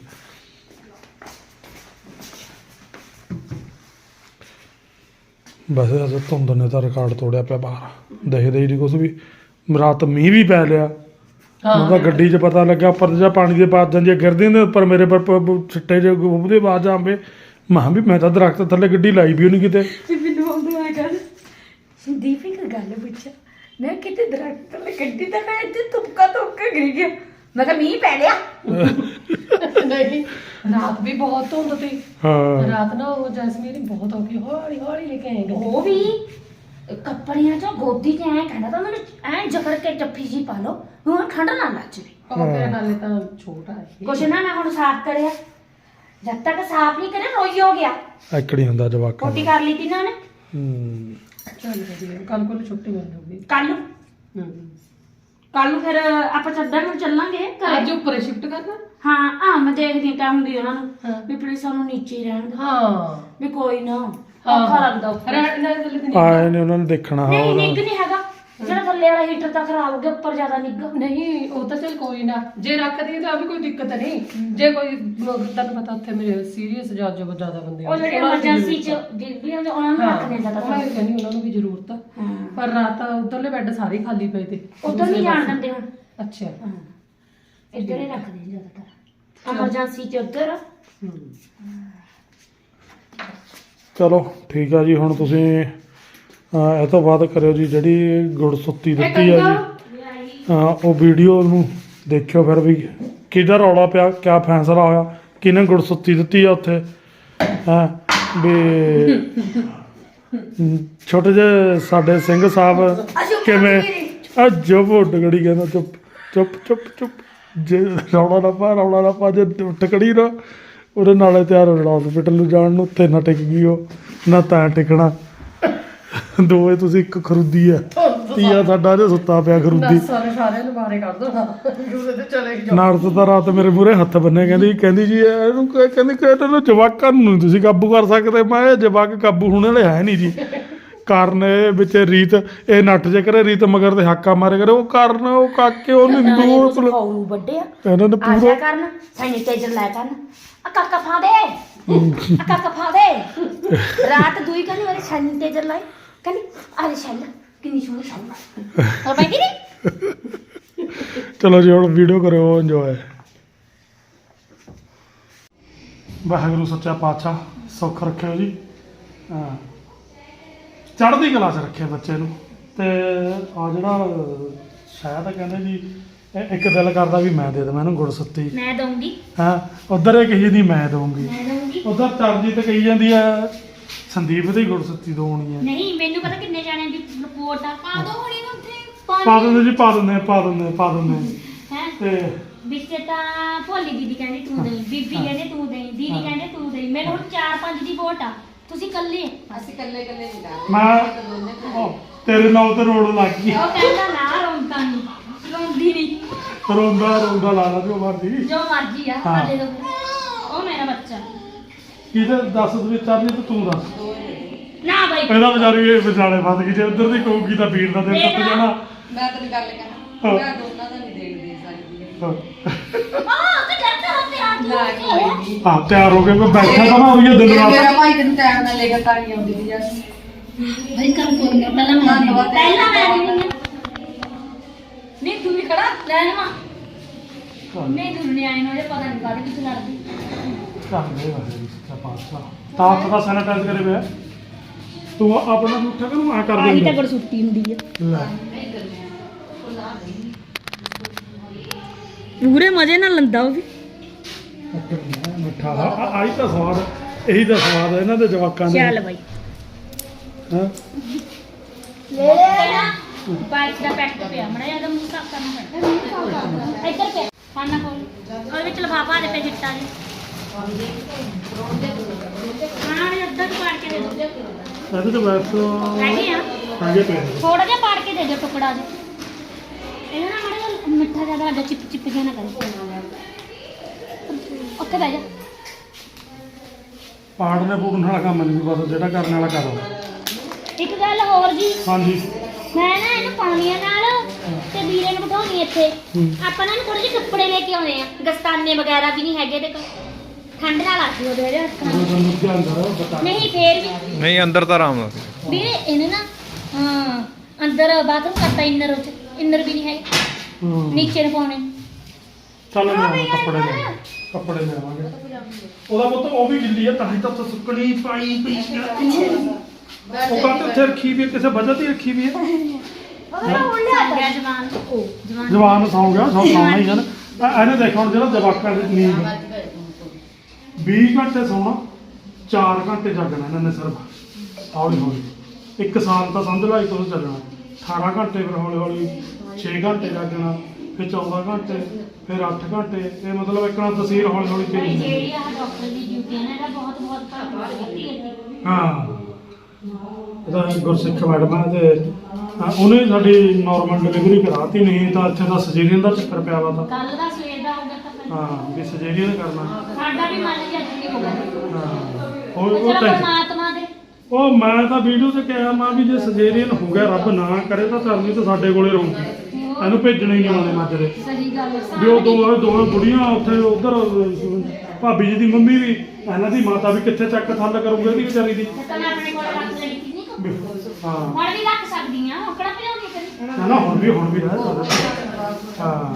A: ਬਸ ਅਜ ਧੁੰਦ ਨੇ ਤਾਂ ਰਿਕਾਰਡ ਤੋੜਿਆ ਪਿਆ ਬਾਹਰ ਦੇਖਦੇ ਹੀ ਨਹੀਂ ਕੁਛ ਵੀ। ਰਾਤ ਮੀਂਹ ਵੀ ਪੈ ਲਿਆ ਉਹਦਾ ਗੱਡੀ 'ਚ ਪਤਾ ਲੱਗਾ ਉੱਪਰ ਜਾਂ ਪਾਣੀ ਦੇ ਬਾਅਦ ਜਾਂਦੀਆਂ ਗਿਰਦੀਆਂ ਨੇ ਉੱਪਰ ਮੇਰੇ ਪਰ ਛਿੱਟੇ ਜਿਹੇ ਉਹਦੇ ਬਾਅਦ ਜਾਂਵੇ ਮਾਂ ਵੀ ਮੈਂ ਤਾਂ ਦਰਖਤ ਥੱਲੇ ਗੱਡੀ ਲਾਈ ਵੀ ਉਹਨੂੰ ਕਿਤੇ।
B: ਮੈਨੂੰ ਆਉਂਦਾ ਆ ਗੱਲ ਸੰਦੀਪ ਇੱਕ ਗੱਲ ਪੁੱਛਿਆ ਮੈਂ ਕਿਤੇ ਦਰਖਤ ਥੱਲੇ ਗੱਡੀ ਤਾਂ ਮੈਂ ਇੱਥੇ ਤੁਪਕਾ ਤੁਪਕਾ ਗਿਰ ਗਿਆ ਮੈਂ ਕਿਹਾ ਮੀਂਹ ਪੈ ਲਿਆ
C: ਨਹੀਂ ਰਾਤ ਵੀ ਬਹੁਤ ਧੁੰਦ ਸੀ।
A: ਹਾਂ
C: ਰਾਤ ਨਾ ਉਹ ਜੈਸਮੀਨ ਬਹੁਤ ਹੋ ਗਈ ਹੌਲੀ ਹੌਲੀ ਲੈ ਕੇ ਆਏ ਗੱਡੀ।
B: ਉਹ ਵੀ ਕੱਪੜਿਆਂ ਚੋਂ ਗੋਦੀ ਚ ਐ ਕਹਿੰਦਾ ਤਾਂ ਮੈਨੂੰ ਐ ਜਕੜ ਕੇ ਜੱਫੀ ਜੀ ਪਾ ਲਓ ਹੁਣ ਠੰਡ ਨਾ ਲੱਗ ਜਾਵੇ।
C: ਉਹ ਤੇਰੇ ਨਾਲੇ ਤਾਂ ਛੋਟਾ ਹੈ
B: ਕੁਛ ਨਾ ਮੈਂ ਹੁਣ ਸਾਫ਼ ਕਰਿਆ ਜਦ ਤੱਕ ਸਾਫ਼ ਨਹੀਂ ਕਰਿਆ ਰੋਈ ਹੋ ਗਿਆ
A: ਐਕੜੀ ਹੁੰਦਾ ਜਵਾਕਾਂ
B: ਕੋਟੀ
A: ਦਾ।
B: ਕਰ ਲਈ ਤੀ ਨਾ ਨੇ
A: ਹੂੰ
C: ਚੱਲ ਵਧੀਆ ਕੱਲ ਕੋਲ ਛੁੱਟੀ ਮਿਲ ਜਾਊਗੀ।
B: ਕੱਲ ਨੂੰ
C: ਹੂੰ
B: ਕੱਲ ਨੂੰ ਫਿਰ ਆਪਾਂ ਚੱਦਰ ਨੂੰ ਚੱਲਾਂਗੇ ਘਰੇ।
C: ਅੱਜ ਉੱਪਰ ਸ਼ਿਫਟ ਕਰਨਾ।
B: ਹਾਂ ਆ ਮੈਂ ਦੇਖਦੀ ਕਹੂੰਗੀ ਉਹਨਾਂ ਨੂੰ
C: ਹਾਂ।
B: ਵੀ ਪਲੀਜ਼ ਸਾਨੂੰ ਨੀਚੇ ਹੀ ਰਹਿਣ ਦਿਓ
C: ਹਾਂ
B: ਵੀ ਕੋਈ ਨਾ
C: ਹਾਂ।
B: ਔਖਾ ਲੱਗਦਾ ਉੱਪਰ।
C: ਰਹਿਣ ਨਾਲ ਥੱਲੇ ਤੇ
A: ਆਏ ਨੇ ਉਹਨਾਂ ਨੇ ਦੇਖਣਾ ਹਾਂ
B: ਨਹੀਂ
A: ਉਹਦਾ।
B: ਨਿੱਘ ਨਹੀਂ ਹੈਗਾ ਜਿਹੜਾ ਥੱਲੇ ਵਾਲਾ ਹੀਟਰ ਤਾਂ ਖਰਾਬ ਹੋ ਗਿਆ ਉੱਪਰ ਜ਼ਿਆਦਾ ਨਿੱਘ
C: ਨਹੀਂ ਉਹ ਤਾਂ ਚੱਲ ਕੋਈ ਨਾ ਜੇ ਰੱਖਦੀ ਤਾਂ ਵੀ ਕੋਈ ਦਿੱਕਤ ਨਹੀਂ। ਜੇ ਕੋਈ ਤੁਹਾਨੂੰ ਪਤਾ ਉੱਥੇ ਮੇਰੇ ਸੀਰੀਅਸ ਜਾਂ ਜੋ ਜ਼ਿਆਦਾ ਬੰਦੇ
B: ਉਹ ਜਿਹੜੇ ਐਮਰਜੈਂਸੀ ਚ ਡਿਲੀਵਰੀ ਹੁੰਦੇ ਉਹਨਾਂ ਨੂੰ ਰੱਖ ਦਿੰਦਾ ਤਾਂ
C: ਮੈਂ ਕਹਿੰਦੀ ਉਹਨਾਂ ਨੂੰ ਵੀ ਜ਼ਰੂਰਤ ਆ।
B: ਹਾਂ
C: ਪਰ ਰਾਤ ਉਧਰਲੇ ਬੈੱਡ ਸਾਰੇ ਹੀ ਖਾਲੀ ਪਏ ਤੇ
B: ਉਧਰ ਨਹੀਂ ਜਾਣ ਦਿੰਦੇ ਹੁਣ
C: ਅੱਛਾ
B: ਹਾਂ ਇੱਧਰ ਹੀ ਰੱਖਦੇ ਨੇ ਜ਼ਿਆਦਾਤਰ ਐਮਰਜੈਂਸੀ ਚ ਉੱਧਰ
C: ਹੂੰ
A: ਚਲੋ ਠੀਕ ਆ ਜੀ ਹੁਣ ਤੁਸੀਂ ਅਹ, ਇਹ ਤੋਂ ਬਾਅਦ ਕਰਿਓ ਜੀ ਜਿਹੜੀ ਗੁੜਸੁੱਤੀ ਦਿੱਤੀ ਆ ਜੀ ਹਾਂ ਉਹ ਵੀਡੀਓ ਨੂੰ ਦੇਖਿਓ ਫਿਰ ਵੀ ਕਿਹਦਾ ਰੌਲਾ ਪਿਆ ਕਿਆ ਫੈਸਲਾ ਹੋਇਆ ਕਿਹਨੇ ਗੁੜਸੁੱਤੀ ਦਿੱਤੀ ਆ ਉੱਥੇ ਹਾਂ ਵੀ ਛੋਟੇ ਜਿਹੇ ਸਾਡੇ ਸਿੰਘ ਸਾਹਿਬ ਕਿਵੇਂ ਆ ਜੋ ਟਕੜੀ ਕਹਿੰਦਾ ਚੁੱਪ ਚੁੱਪ ਚੁੱਪ ਚੁੱਪ ਜੇ ਰੌਲਾ ਨਾ ਪਾ ਰੌਲਾ ਨਾ ਪਾ ਜੇ ਟਕੜੀ ਨਾ ਉਹਦੇ ਨਾਲੇ ਤਿਆਰ ਹੋ ਜਾਣਾ ਹਸਪੀਟਲ ਨੂੰ ਜਾਣ ਨੂੰ ਉੱਥੇ ਨਾ ਟਿਕ ਗਈ ਉਹ ਨਾ ਤਾਂ ਟਿਕਣਾ ਦੋਵੇਂ ਤੁਸੀਂ ਇੱਕ ਖਰੂਦੀ ਆ ਤੀਆ ਸਾਡਾ ਜੇ ਸੁੱਤਾ ਪਿਆ ਖਰੂਦੀ।
C: ਸਾਰੇ ਸਾਰਿਆਂ ਨੂੰ ਬਾਰੇ ਕਰ ਦੋ ਨਾ ਦੂਰੇ ਤੇ ਚਲੇ ਜਾਓ।
A: ਨਾਰਦ ਤਾਂ ਰਾਤ ਮੇਰੇ ਮੂਹਰੇ ਹੱਥ ਬੰਨੇ ਕਹਿੰਦੀ ਕਹਿੰਦੀ ਜੀ ਇਹਨੂੰ ਕ- ਕਹਿੰਦੀ ਕਿ ਇਹਨੂੰ ਜਵਾਕਾਂ ਨੂੰ ਨੀ ਤੁਸੀਂ ਕਾਬੂ ਕਰ ਸਕਦੇ। ਮੈਂ ਇਹ ਜਵਾਕ ਕਾਬੂ ਹੋਣ ਵਾਲੇ ਹੈ ਨਹੀਂ ਜੀ। ਕਾਰਨ ਇਹ ਵਿੱਚ ਰੀਤ ਇਹ ਨੱਠ ਜੇ ਕਰੇ ਰੀਤ ਮਗਰ ਤੇ ਹਾਕਾ ਮਾਰੇ ਕਰੇ ਉਹ ਕਾਰਨ ਉਹ ਕਾਕੇ ਉਹਨੂੰ ਦੂਰ
B: ਖਾਉ ਵੱਡੇ ਆ
A: ਇਹਨਾਂ ਨੇ
B: ਆ ਜਾ
A: ਪੂਰਾ
B: ਕਰਨ ਸੈਨੀਟਾਈਜ਼ਰ ਲੈ ਕਰਨ ਆ ਕਾਕਾ ਫਾ ਦੇ ਆ ਕਾਕਾ ਫਾ ਦੇ ਰਾਤ ਦੂਈ ਕਹਿੰਦੀ ਉਹਨੇ ਸੈਨੀਟਾਈਜ਼ਰ ਲਾਈ ਕਹਿੰਦੀ ਆ ਲੈ ਸ਼ੈਲ ਕਿੰਨੀ ਸੋਹਣੀ ਸ਼ੈਲ ਹੋਰ ਬਾਈ ਨਹੀਂ
A: ਚਲੋ ਜੀ ਹੁਣ ਵੀਡੀਓ ਕਰਿਓ ਇੰਜੋਏ। ਵਾਹਿਗੁਰੂ ਸੱਚਾ ਪਾਤਸ਼ਾਹ ਸੁੱਖ ਰੱਖਿਓ ਜੀ ਹਾਂ ਚੜ੍ਹਦੀ ਕਲਾ 'ਚ ਰੱਖਿਆ ਬੱਚੇ ਨੂੰ। ਤੇ ਆ ਜਿਹੜਾ ਸ਼ਾਇਦ ਕਹਿੰਦੇ ਜੀ ਇਹ ਇੱਕ ਦਿਲ ਕਰਦਾ ਵੀ ਮੈਂ ਦੇ ਦੇਵਾਂ ਇਹਨੂੰ ਗੁੜਸੁੱਤੀ
B: ਮੈਂ ਦਊਂਗੀ
A: ਹਾਂ ਉਧਰ ਇਹ ਕਹੀ ਦੀ ਮੈਂ ਦਊਂਗੀ
B: ਮੈਂ ਦਊਂਗੀ
A: ਉਧਰ ਚਰਨਜੀਤ ਕਹੀ ਜਾਂਦੀ ਆ ਸੰਦੀਪ ਦੀ ਗੁੜਸੁੱਤੀ ਦੋਣੀ ਆ।
B: ਨਹੀਂ ਮੈਨੂੰ ਪਤਾ ਕਿੰਨੇ ਜਾਣਿਆਂ ਦੀ ਰਿਪੋਰਟ ਆ ਪਾ ਦੋ ਹੁਣੀ ਉੱਥੇ
A: ਪਾ ਦਿੰਦੇ ਜੀ ਪਾ ਦਿੰਦੇ ਪਾ ਦਿੰਦੇ ਪਾ ਦਿੰਦੇ
B: ਹੈ
A: ਤੇ
B: ਵਿੱਚ ਤਾਂ ਭੋਲੀ ਦੀਦੀ ਕਹਿੰਦੀ ਤੂੰ ਦੇਈ ਬੀਬੀ ਕਹਿੰਦੇ ਤੂੰ ਦੇਈ ਦੀਦੀ
A: ਹਾਂ।
B: ਕਹਿੰਦੇ ਤੂੰ ਦੇਈ ਮੈਨੂੰ ਹੁਣ ਚਾਰ ਪੰਜ ਦੀ ਵੋਟ ਆ ਤੁਸੀਂ ਇਕੱਲੇ
C: ਅਸੀਂ ਇਕੱਲੇ ਇਕੱਲੇ ਨਹੀਂ ਕਰਦੇ
A: ਮੈਂ ਉਹ ਤੇਰੇ ਨਾਲ ਤੇ ਰੋਣ ਲੱਗ ਗਈ
B: ਉਹ ਕਹਿੰਦਾ ਨਾ ਰੋਂਦਾ ਨਹੀਂ ਰੋਂਦੀ ਨਹੀਂ
A: ਰੋਂਦਾ ਰੋਂਦਾ ਲਾ ਲਾ ਜੋ ਮਰਦੀ
B: ਜੋ ਮਰਜੀ ਆ
A: ਹਾਂ।
B: ਸਾਡੇ ਦੋ ਉਹ ਮੇਰਾ ਬੱਚਾ
A: ਕਿਹਦੇ ਦੱਸ ਦੇ ਚਰਨਜੀਤ ਤੂੰ ਦੱਸ
B: ਨਾ ਬਾਈ
A: ਇਹਦਾ ਵਿਚਾਰੀ ਇਹ ਵਿਚਾਲੇ ਫਸ ਗਈ ਜੇ ਉਧਰ ਦੀ ਕਹੂਗੀ ਤਾਂ ਵੀਰ ਦਾ ਦਿਲ ਟੁੱਟ ਜਾਣਾ।
C: ਮੈਂ ਤੈਨੂੰ ਗੱਲ ਕਰਾਂ ਮੈਂ ਦੋਨਾਂ ਦਾ ਨਹੀਂ ਦੇਣ ਦੇ ਸਕਦੀ
A: ਹਾਂ।
B: ਆ ਤੇ ਕਰਦਾ ਹੁੰਦੇ ਆ
C: ਨਾ ਕੋਈ ਨਹੀਂ
A: ਹਾਂ ਤਿਆਰ ਹੋ ਕੇ ਮੈਂ ਬੈਠਾ ਤਾਂ ਨਾ ਹੋਈ ਆ ਦਿਨ ਰਾਤ
C: ਮੇਰਾ ਭਾਈ ਤੈਨੂੰ ਟਾਈਮ ਨਾਲ ਲੈ ਕੇ ਤਾਂ ਨਹੀਂ ਆਉਂਦੀ ਸੀ ਯਾਰ
B: ਭਾਈ ਕਰ ਕੋਈ ਨਾ ਪਹਿਲਾਂ ਮੈਂ ਪਹਿਲਾਂ ਮੈਂ ਨਹੀਂ ਖੜਾ ਲੈ ਨਾ ਨਹੀਂ ਦੁਨੀਆ ਆਈ ਨੂੰ ਜੇ ਪਤਾ ਨਹੀਂ ਕਾਹਦੇ ਵਿੱਚ ਲੜਦੀ
A: ਕਰਦੇ ਵਾਹਿਗੁਰੂ ਸੱਚਾ ਪਾਤਸ਼ਾਹ ਤਾਂ ਹੱਥ ਦਾ ਸੈਨੀਟਾਈਜ਼ ਕਰੇ ਪਿਆ ਤੂੰ ਆਪਣਾ ਉੱਠਾ ਕਰ ਨੂੰ ਆ ਕਰ
B: ਆਹੀ
A: ਦੇ
B: ਤਾਂ ਗੜ ਸੁੱਤੀ ਹੁੰਦੀ ਆ
A: ਲੈ
B: ਪੂਰੇ ਮਜ਼ੇ ਨਾਲ ਲੰਦਾ ਉਹ ਵੀ
A: ਮਿੱਠਾ ਆ- ਆਹੀ ਤਾਂ ਸਵਾਦ ਇਹੀ ਤਾਂ ਸਵਾਦ ਹੈ ਇਹਨਾਂ ਦੇ ਜਵਾਕਾਂ ਦੇ
B: ਚੱਲ ਬਾਈ
A: ਹਾਂ
B: ਲੈ ਲੈ ਬਾਈਕ ਦਾ ਪੈਕ ਪਿਆ ਮੜਾ ਜਿਆਦਾ ਮੂੰਹ ਸਾਫ ਕਰਨਾ ਪੈਂਦਾ ਇੱਧਰ ਪਿਆ ਖਾਣਾ ਕੋਲ ਔਰ ਵਿੱਚ ਲਫਾਫਾ ਦੇ ਪੇ ਚਿੱਟਾ ਜੀ ਖਾਣਾ ਨੇ ਅੱਧਾ ਕੁ ਪਾੜ ਕੇ ਦੇ ਦੋ
A: ਇਹਦੇ ਤੇ ਬੈਠ
B: ਹੈਗੇ ਆ
A: ਆਗੇ ਪਏ
B: ਥੋੜਾ ਜਿਹਾ ਪਾੜ ਕੇ ਦੇ ਦਿਓ ਟੁਕੜਾ ਜਿਹਾ ਇਹਨਾਂ ਨਾਲ ਮੜਾ ਜਿਹਾ ਮਿੱਠਾ ਜ਼ਿਆਦਾ ਵੱਡਾ ਚਿਪ ਚਿਪ ਜਿਹਾ ਨਾ ਕਰੇ ਉੱਥੇ ਬਹਿ ਜਾ
A: ਪਾੜਨੇ ਪੂੜਨ ਵਾਲਾ ਕੰਮ ਨਹੀਂ ਬਸ ਜਿਹੜਾ ਕਰਨ ਵਾਲਾ ਕਰੋ
B: ਇੱਕ ਗੱਲ ਹੋਰ ਜੀ
A: ਹਾਂਜੀ
B: ਮੈਂ ਨਾ ਇਹਨੂੰ ਪਾਉਣੀਆਂ ਨਾਲ ਤੇ ਵੀਰੇ ਨੂੰ ਬਿਠਾਉਣੀ ਇੱਥੇ
A: ਹੂੰ।
B: ਆਪਾਂ ਨਾ ਥੋੜੇ ਜਿਹੇ ਕੱਪੜੇ ਲੈ ਕੇ ਆਉਣੇ ਆ ਦਸਤਾਨੇ ਵਗੈਰਾ ਵੀ ਨਹੀਂ ਹੈਗੇ ਤੇ ਠੰਡ ਨਾਲ ਲੱਗਦੀ ਉਹਦੇ ਜਿਹੜੇ ਹੱਥਾਂ ਨੂੰ।
A: ਤੁਹਾਨੂੰ ਕੀ ਅੰਦਰ ਬਤਾ
B: ਨਹੀਂ ਫੇਰ ਵੀ
D: ਨਹੀਂ ਅੰਦਰ ਤਾਂ ਆਰਾਮ ਨਾਲ ਸੀ।
B: ਵੀਰੇ ਇਹਨੇ ਨਾ ਹਾਂ ਅੰਦਰ ਬਾਥਰੂਮ ਕਰਤਾ ਇੰਨਰ ਵਿੱਚ ਇੰਨਰ ਵੀ ਨਹੀਂ ਹੈਗੇ
A: ਹਾਂ
B: ਨੀਚੇ ਨੂੰ ਪਾਉਣੇ
A: ਚੱਲ ਲੈ ਆਵਾਂ ਕੱਪੜੇ ਲੈ ਕੱਪੜੇ ਲੈ ਆਵਾਂਗੇ ਉਹਦਾ ਪੁੱਤ ਉਹ ਵੀ ਗਿੱਲੀ ਆ ਤਾਂ ਹੀ ਤਾਂ ਉੱਥੇ ਸੁੱਕਣੀ ਪਾਈ ਪਈ ਆ। ਉਹ ਕੱਟ ਉੱਥੇ ਰੱਖੀ ਵੀ ਆ, ਕਿਸੇ ਵਜ੍ਹਾ ਤੇ ਹੀ ਰੱਖੀ ਵੀ ਹੈ
B: ਗਿਆ ਜਵਾਨ ਉਹ ਜਵਾਨ
A: ਜਵਾਨ ਸੌਂ ਗਿਆ ਸੌਂ ਸੌਣਾ ਹੀ ਜਨ ਇਹਨੇ ਦੇਖੋ ਹੁਣ ਜਿਹੜਾ ਜਵਾਕਾਂ ਦੀ ਨੀਂਦ ਵੀਹ ਘੰਟੇ ਸੌਣਾ ਚਾਰ ਘੰਟੇ ਜਾਗਣਾ ਇਹਨਾਂ ਨੇ ਸਿਰਫ ਹੌਲੀ ਹੌਲੀ ਇੱਕ ਸਾਲ ਤਾਂ ਸਮਝ ਲਾ ਤੋਂ ਚੱਲਣਾ ਅਠਾਰਾਂ ਘੰਟੇ ਫਿਰ ਹੌਲੀ ਹੌਲੀ ਛੇ ਘੰਟੇ ਜਾਗਣਾ ਫਿਰ ਚੌਦਾਂ ਘੰਟੇ ਫਿਰ ਅੱਠ ਘੰਟੇ ਇਹ ਮਤਲਬ ਇੱਕ ਨਾਲ ਤਸਵੀਰ ਹੌਲੀ ਹੌਲੀ ਚੇਂਜ ਹੁੰਦੀ
B: ਜਿਹੜੀ ਆ ਡਾਕਟਰ ਦੀ ਡਿਊਟੀ ਹੈ ਨਾ ਇਹਦਾ ਬਹੁਤ ਬਹੁਤ ਧੰਨਵਾਦ ਕਰਦੀ ਹੈ
A: ਹਾਂ ਇਹਦਾ ਗੁਰਸਿੱਖ ਮੈਡਮ ਹੈ ਤੇ ਹਾਂ, ਉਹਨੇ ਸਾਡੀ ਨਾਰਮਲ ਡਿਲੀਵਰੀ ਕਰਾਤੀ ਨਹੀਂ ਤਾਂ ਇੱਥੇ ਤਾਂ ਸਰਜਰੀਨ ਦਾ ਚੱਕਰ ਪਿਆ ਵਾ ਤਾਂ
B: ਕੱਲ ਦਾ ਸਵੇਰ ਦਾ ਹੋ ਗਿਆ ਤਾਂ ਫਿਰ
A: ਹਾਂ ਵੀ ਸਰਜਰੀਨ ਕਰਨਾ
B: ਸਾਡਾ ਵੀ ਮਨ ਜਿਹਾ ਨਹੀਂ ਹੋਗਾ
A: ਹਾਂ ਉਹ
B: ਚਲੋ
A: ਉਹ ਤਾਂ
B: ਪਰਮਾਤਮਾ ਦੇ
A: ਉਹ ਮੈਂ ਤਾਂ ਵੀਡੀਓ ਤੇ ਕਿਹਾ ਮੈਂ ਵੀ ਜੇ ਸਰਜਰੀਨ ਹੋ ਗਿਆ ਰੱਬ ਨਾ ਕਰੇ ਤਾਂ ਕਰਨੀ ਤਾਂ ਸਾਡੇ ਕੋਲੇ ਰਹੂਗੀ ਇਹਨੂੰ ਭੇਜਣਾ ਹੀ ਨਹੀਂ ਆਉਂਦੇ ਮਾਜਰੇ
B: ਸਹੀ ਗੱਲ ਹੈ
A: ਵੀ ਉਹ ਦੋ ਦੋਵੇਂ ਬੁੜੀਆਂ ਉੱਥੇ ਉਧਰ ਭਾਬੀ ਜੀ ਦੀ ਮੰਮੀ ਵੀ ਇਹਨਾਂ ਦੀ ਮਾਤਾ ਵੀ ਕਿੱਥੇ ਚੱਕ ਥੱਲ ਕਰੂਗੀ ਉਹਦੀ ਵਿਚਾਰੀ ਦੀ
B: ਤਾਂ ਮੈਂ ਆਪਣੇ ਕੋਲ ਰੱਖ ਲਈ ਸੀ ਨਹੀਂ
A: ਹਾਂ
B: ਹੁਣ ਵੀ ਰੱਖ ਸਕਦੀ ਆ ਔਕੜਾ ਪਿਆਉਣੀ ਕਰੀ
A: ਨਾ ਨਾ ਹੁਣ ਵੀ ਹੁਣ ਵੀ ਰਹਿ ਸਕਦਾ ਹਾਂ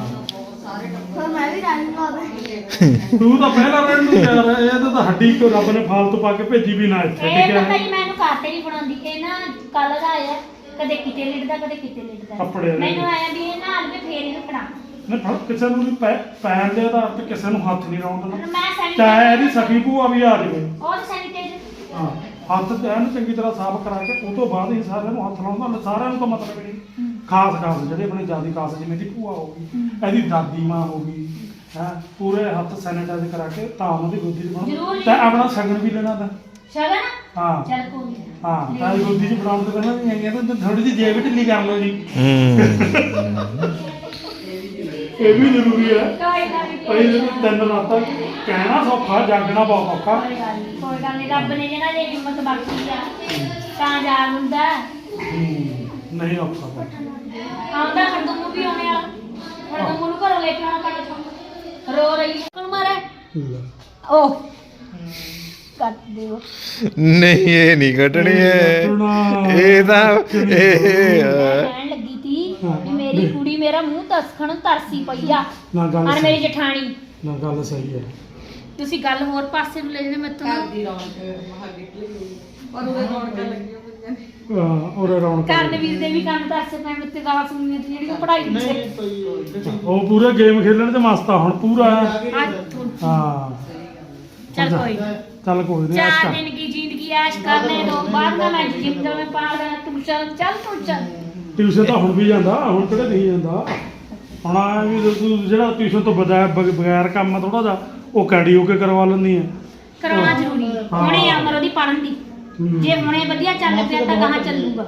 A: ਤੂੰ ਤਾਂ ਪਹਿਲਾਂ ਰਹਿਣ ਨੂੰ ਤਿਆਰ ਹੈ ਇਹ ਤਾਂ ਹੱਡੀ ਕੋ ਰੱਬ ਨੇ ਫਾਲਤੂ ਪਾ ਕੇ ਭੇਜੀ ਵੀ ਨਾ ਇੱਥੇ
B: ਇਹ
A: ਠੀਕ
B: ਤਾਂ
A: ਹੈ
B: ਕਈ ਮੈਨੂੰ ਕਾਤੇ ਨਹੀਂ ਬਣਾਉਂਦੀ ਇਹ ਨਾ ਕੱਲ ਦਾ ਆਇਆ ਕਦੇ ਕਿਤੇ ਲਿਟਦਾ ਕਦੇ ਕਿਤੇ ਲਿਟਦਾ
A: ਕੱਪੜੇ ਦੇ।
B: ਮੈਨੂੰ ਆਇਆ ਵੀ ਇਹ ਨਾਲ ਵੀ ਫੇਰ ਹੀ ਰੱਖਣਾ
A: ਨਾ ਫੜ ਕਿਸੇ ਨੂੰ ਵੀ ਪੈ- ਪੈਣ ਦੇ ਆਧਾਰ ਤੇ ਕਿਸੇ ਨੂੰ ਹੱਥ ਨਹੀਂ ਲਾਉਣ ਦੇਣਾ
B: ਮੈਂ
A: ਚਾਹੇ
B: ਸੈਨੀਟਾਈਜ਼ਰ
A: ਇਹਦੀ ਸਖੀ ਭੂਆ ਵੀ ਆ ਜਾਵੇ
B: ਉਹ ਸੈਨੀਟਾਈਜ਼ਰ
A: ਹਾਂ ਹੱਥ ਤੇ ਐਨ ਚੰਗੀ ਤਰ੍ਹਾਂ ਸਾਫ਼ ਕਰਾ ਕੇ ਉਹ ਤੋਂ ਬਾਅਦ ਹੀ ਸਾਰਿਆਂ ਨੂੰ ਹੱਥ ਲਾਉਣ ਦਾ ਸਾਰਿਆਂ ਨੂੰ ਤਾਂ ਮਤਲਬ ਹੀ ਨਹੀਂ ਖਾਸ ਖਾਸ ਜਿਹੜੇ ਆਪਣੇ ਜਿਆਦੀ ਖਾਸ ਜਿਵੇਂ ਦੀ ਭੂਆ ਹੋ ਗਈ ਇਹਦੀ ਦਾਦੀ ਮਾਂ ਹੋ ਗਈ ਹੈ ਪੂਰੇ ਹੱਥ ਸੈਨੀਟਾਈਜ਼ ਕਰਾ ਕੇ ਤਾਂ ਉਹਨਾਂ ਦੀ ਗੋਦੀ 'ਚ
B: ਜ਼ਰੂਰ
A: ਬਣਾਉਣਾ
B: ਜੀ।
A: ਤੇ ਆਪਣਾ ਸ਼ਗਨ ਵੀ ਲੈਣਾ ਤਾਂ
B: ਸ਼ਗਨ
A: ਹਾਂ
B: ਚੱਲ ਕੋਈ ਨੀ।
A: ਹਾਂ ਤਾਂ ਇਹ ਗੋਦੀ 'ਚ ਬਣਾਉਣ ਤੋਂ ਪਹਿਲਾਂ ਵੀ ਹੈਗੇ ਤਾਂ ਥੋੜੀ ਜਿਹੀ ਜੇਬ ਢਿੱਲੀ ਕਰ ਲਓ ਜੀ
D: ਹੂੰ
A: ਇਹ ਵੀ ਜ਼ਰੂਰੀ ਹੈ
B: ਕੋਈ ਗੱਲ ਨੀ,
A: ਭਾਈ ਜਦੋਂ ਤਿੰਨ ਰਾਤਾਂ ਕਹਿਣਾ ਸੌਖਾ ਜਾਗਣਾ ਬਹੁਤ ਔਖਾ
B: ਕੋਈ ਗੱਲ ਨੀ, ਕੋਈ ਗੱਲ ਨਹੀਂ ਰੱਬ ਨੇ ਜਿਹੜਾ ਜੇ ਹਿੰਮਤ ਬਖਸ਼ੀ ਆ ਤਾਂ ਜਾ ਹੁੰਦਾ
A: ਹੂੰ, ਨਹੀਂ ਔਖਾ ਕੋਈ।
B: ਆਉਂਦਾ ਹਰਦਮ ਵੀ ਆਉਣੇ ਵਾਲਾ ਹਰਦਮ ਨੂੰ ਘਰੋਂ ਲੈ ਕੇ ਆਉਣਾ ਕੱਟ ਤੋਂ ਰੋ ਰਹੀ ਹੈ ਕੋਲ ਮਾਰੇ
A: ਲੈ।
B: ਓ ਕੱਟ ਦਿਓ
D: ਨਹੀਂ ਇਹ ਨਹੀਂ ਕੱਟਣੀ ਹੈ ਇਹ ਤਾਂ ਇਹ
B: ਮੈਂ ਕਹਿਣ ਲੱਗੀ ਤੀ ਕਿ ਮੇਰੀ ਕੁੜੀ ਮੇਰਾ ਮੂੰਹ ਤਸਖਣ ਤਰਸੀ ਪਈ ਆ
A: ਨਾ ਗੱਲ
B: ਔਰ ਮੇਰੀ
A: ਸਹੀ-
B: ਜਠਾਣੀ
A: ਨਾ ਗੱਲ ਸਹੀ ਹੈ
B: ਤੁਸੀਂ ਗੱਲ ਹੋਰ ਪਾਸੇ ਨੂੰ ਲੈ ਜਾਂਦੇ ਮੈਂ ਤੁਹਾਨੂੰ
C: ਦੀ ਰੌਣਕ ਬਾਹਰ ਨਿਕਲੀ ਪਰ ਉਹ ਰੌਣਕਾਂ ਲੱਗੀਆਂ ਪਈਆਂ ਨੇ
A: ਹਾਂ, ਔਰ ਰੌਣਕ
B: ਕਰਨਵੀਰ ਦੇ ਵੀ ਕੰਮ ਤਰਸੇ ਪੈ ਮਿੱਤੇ ਗਾਲਾਂ ਸੁਣਨੀਆਂ ਤੇ ਜਿਹੜੀ ਉਹ ਪੜਾਈ ਪਿੱਛੇ
A: ਉਹ ਪੂਰਾ ਗੇਮ ਖੇਲਣ ਤੇ ਮਸਤ ਆ ਹੁਣ ਪੂਰਾ
B: ਅੱਜ ਤੋਂ
A: ਹਾਂ
B: ਚੱਲ ਕੋਈ ਨੀ।
A: ਚੱਲ ਕੋਈ ਨਹੀਂ
B: ਚਾਰ दिन की जिंदगी ऐश करने दो बाद में मैं जिंदगी में पार गया तू चल चल तू चल
A: ਟਿਊਸ਼ਨ ਤਾਂ ਹੁਣ ਵੀ ਜਾਂਦਾ ਹੁਣ ਕਿਹੜੇ ਨਹੀਂ ਜਾਂਦਾ ਹੁਣ ਆ ਵੀ ਤੂੰ ਜਿਹੜਾ ਟਿਊਸ਼ਨ ਤੋਂ ਬਗੈਰ ਬਗੈਰ ਕੰਮ ਥੋੜਾ ਜਿਹਾ ਉਹ ਕੈਡੀਓ ਕੇ ਕਰਵਾ ਲੈਂਦੀ ਹੈ
B: कराना जरूरी है
A: हाँ।
B: हुणे अमर ओदी पढ़न दी
A: हम्म।
B: जे हुणे वधिया चल पिया तां कहां ਚੱਲੂਗਾ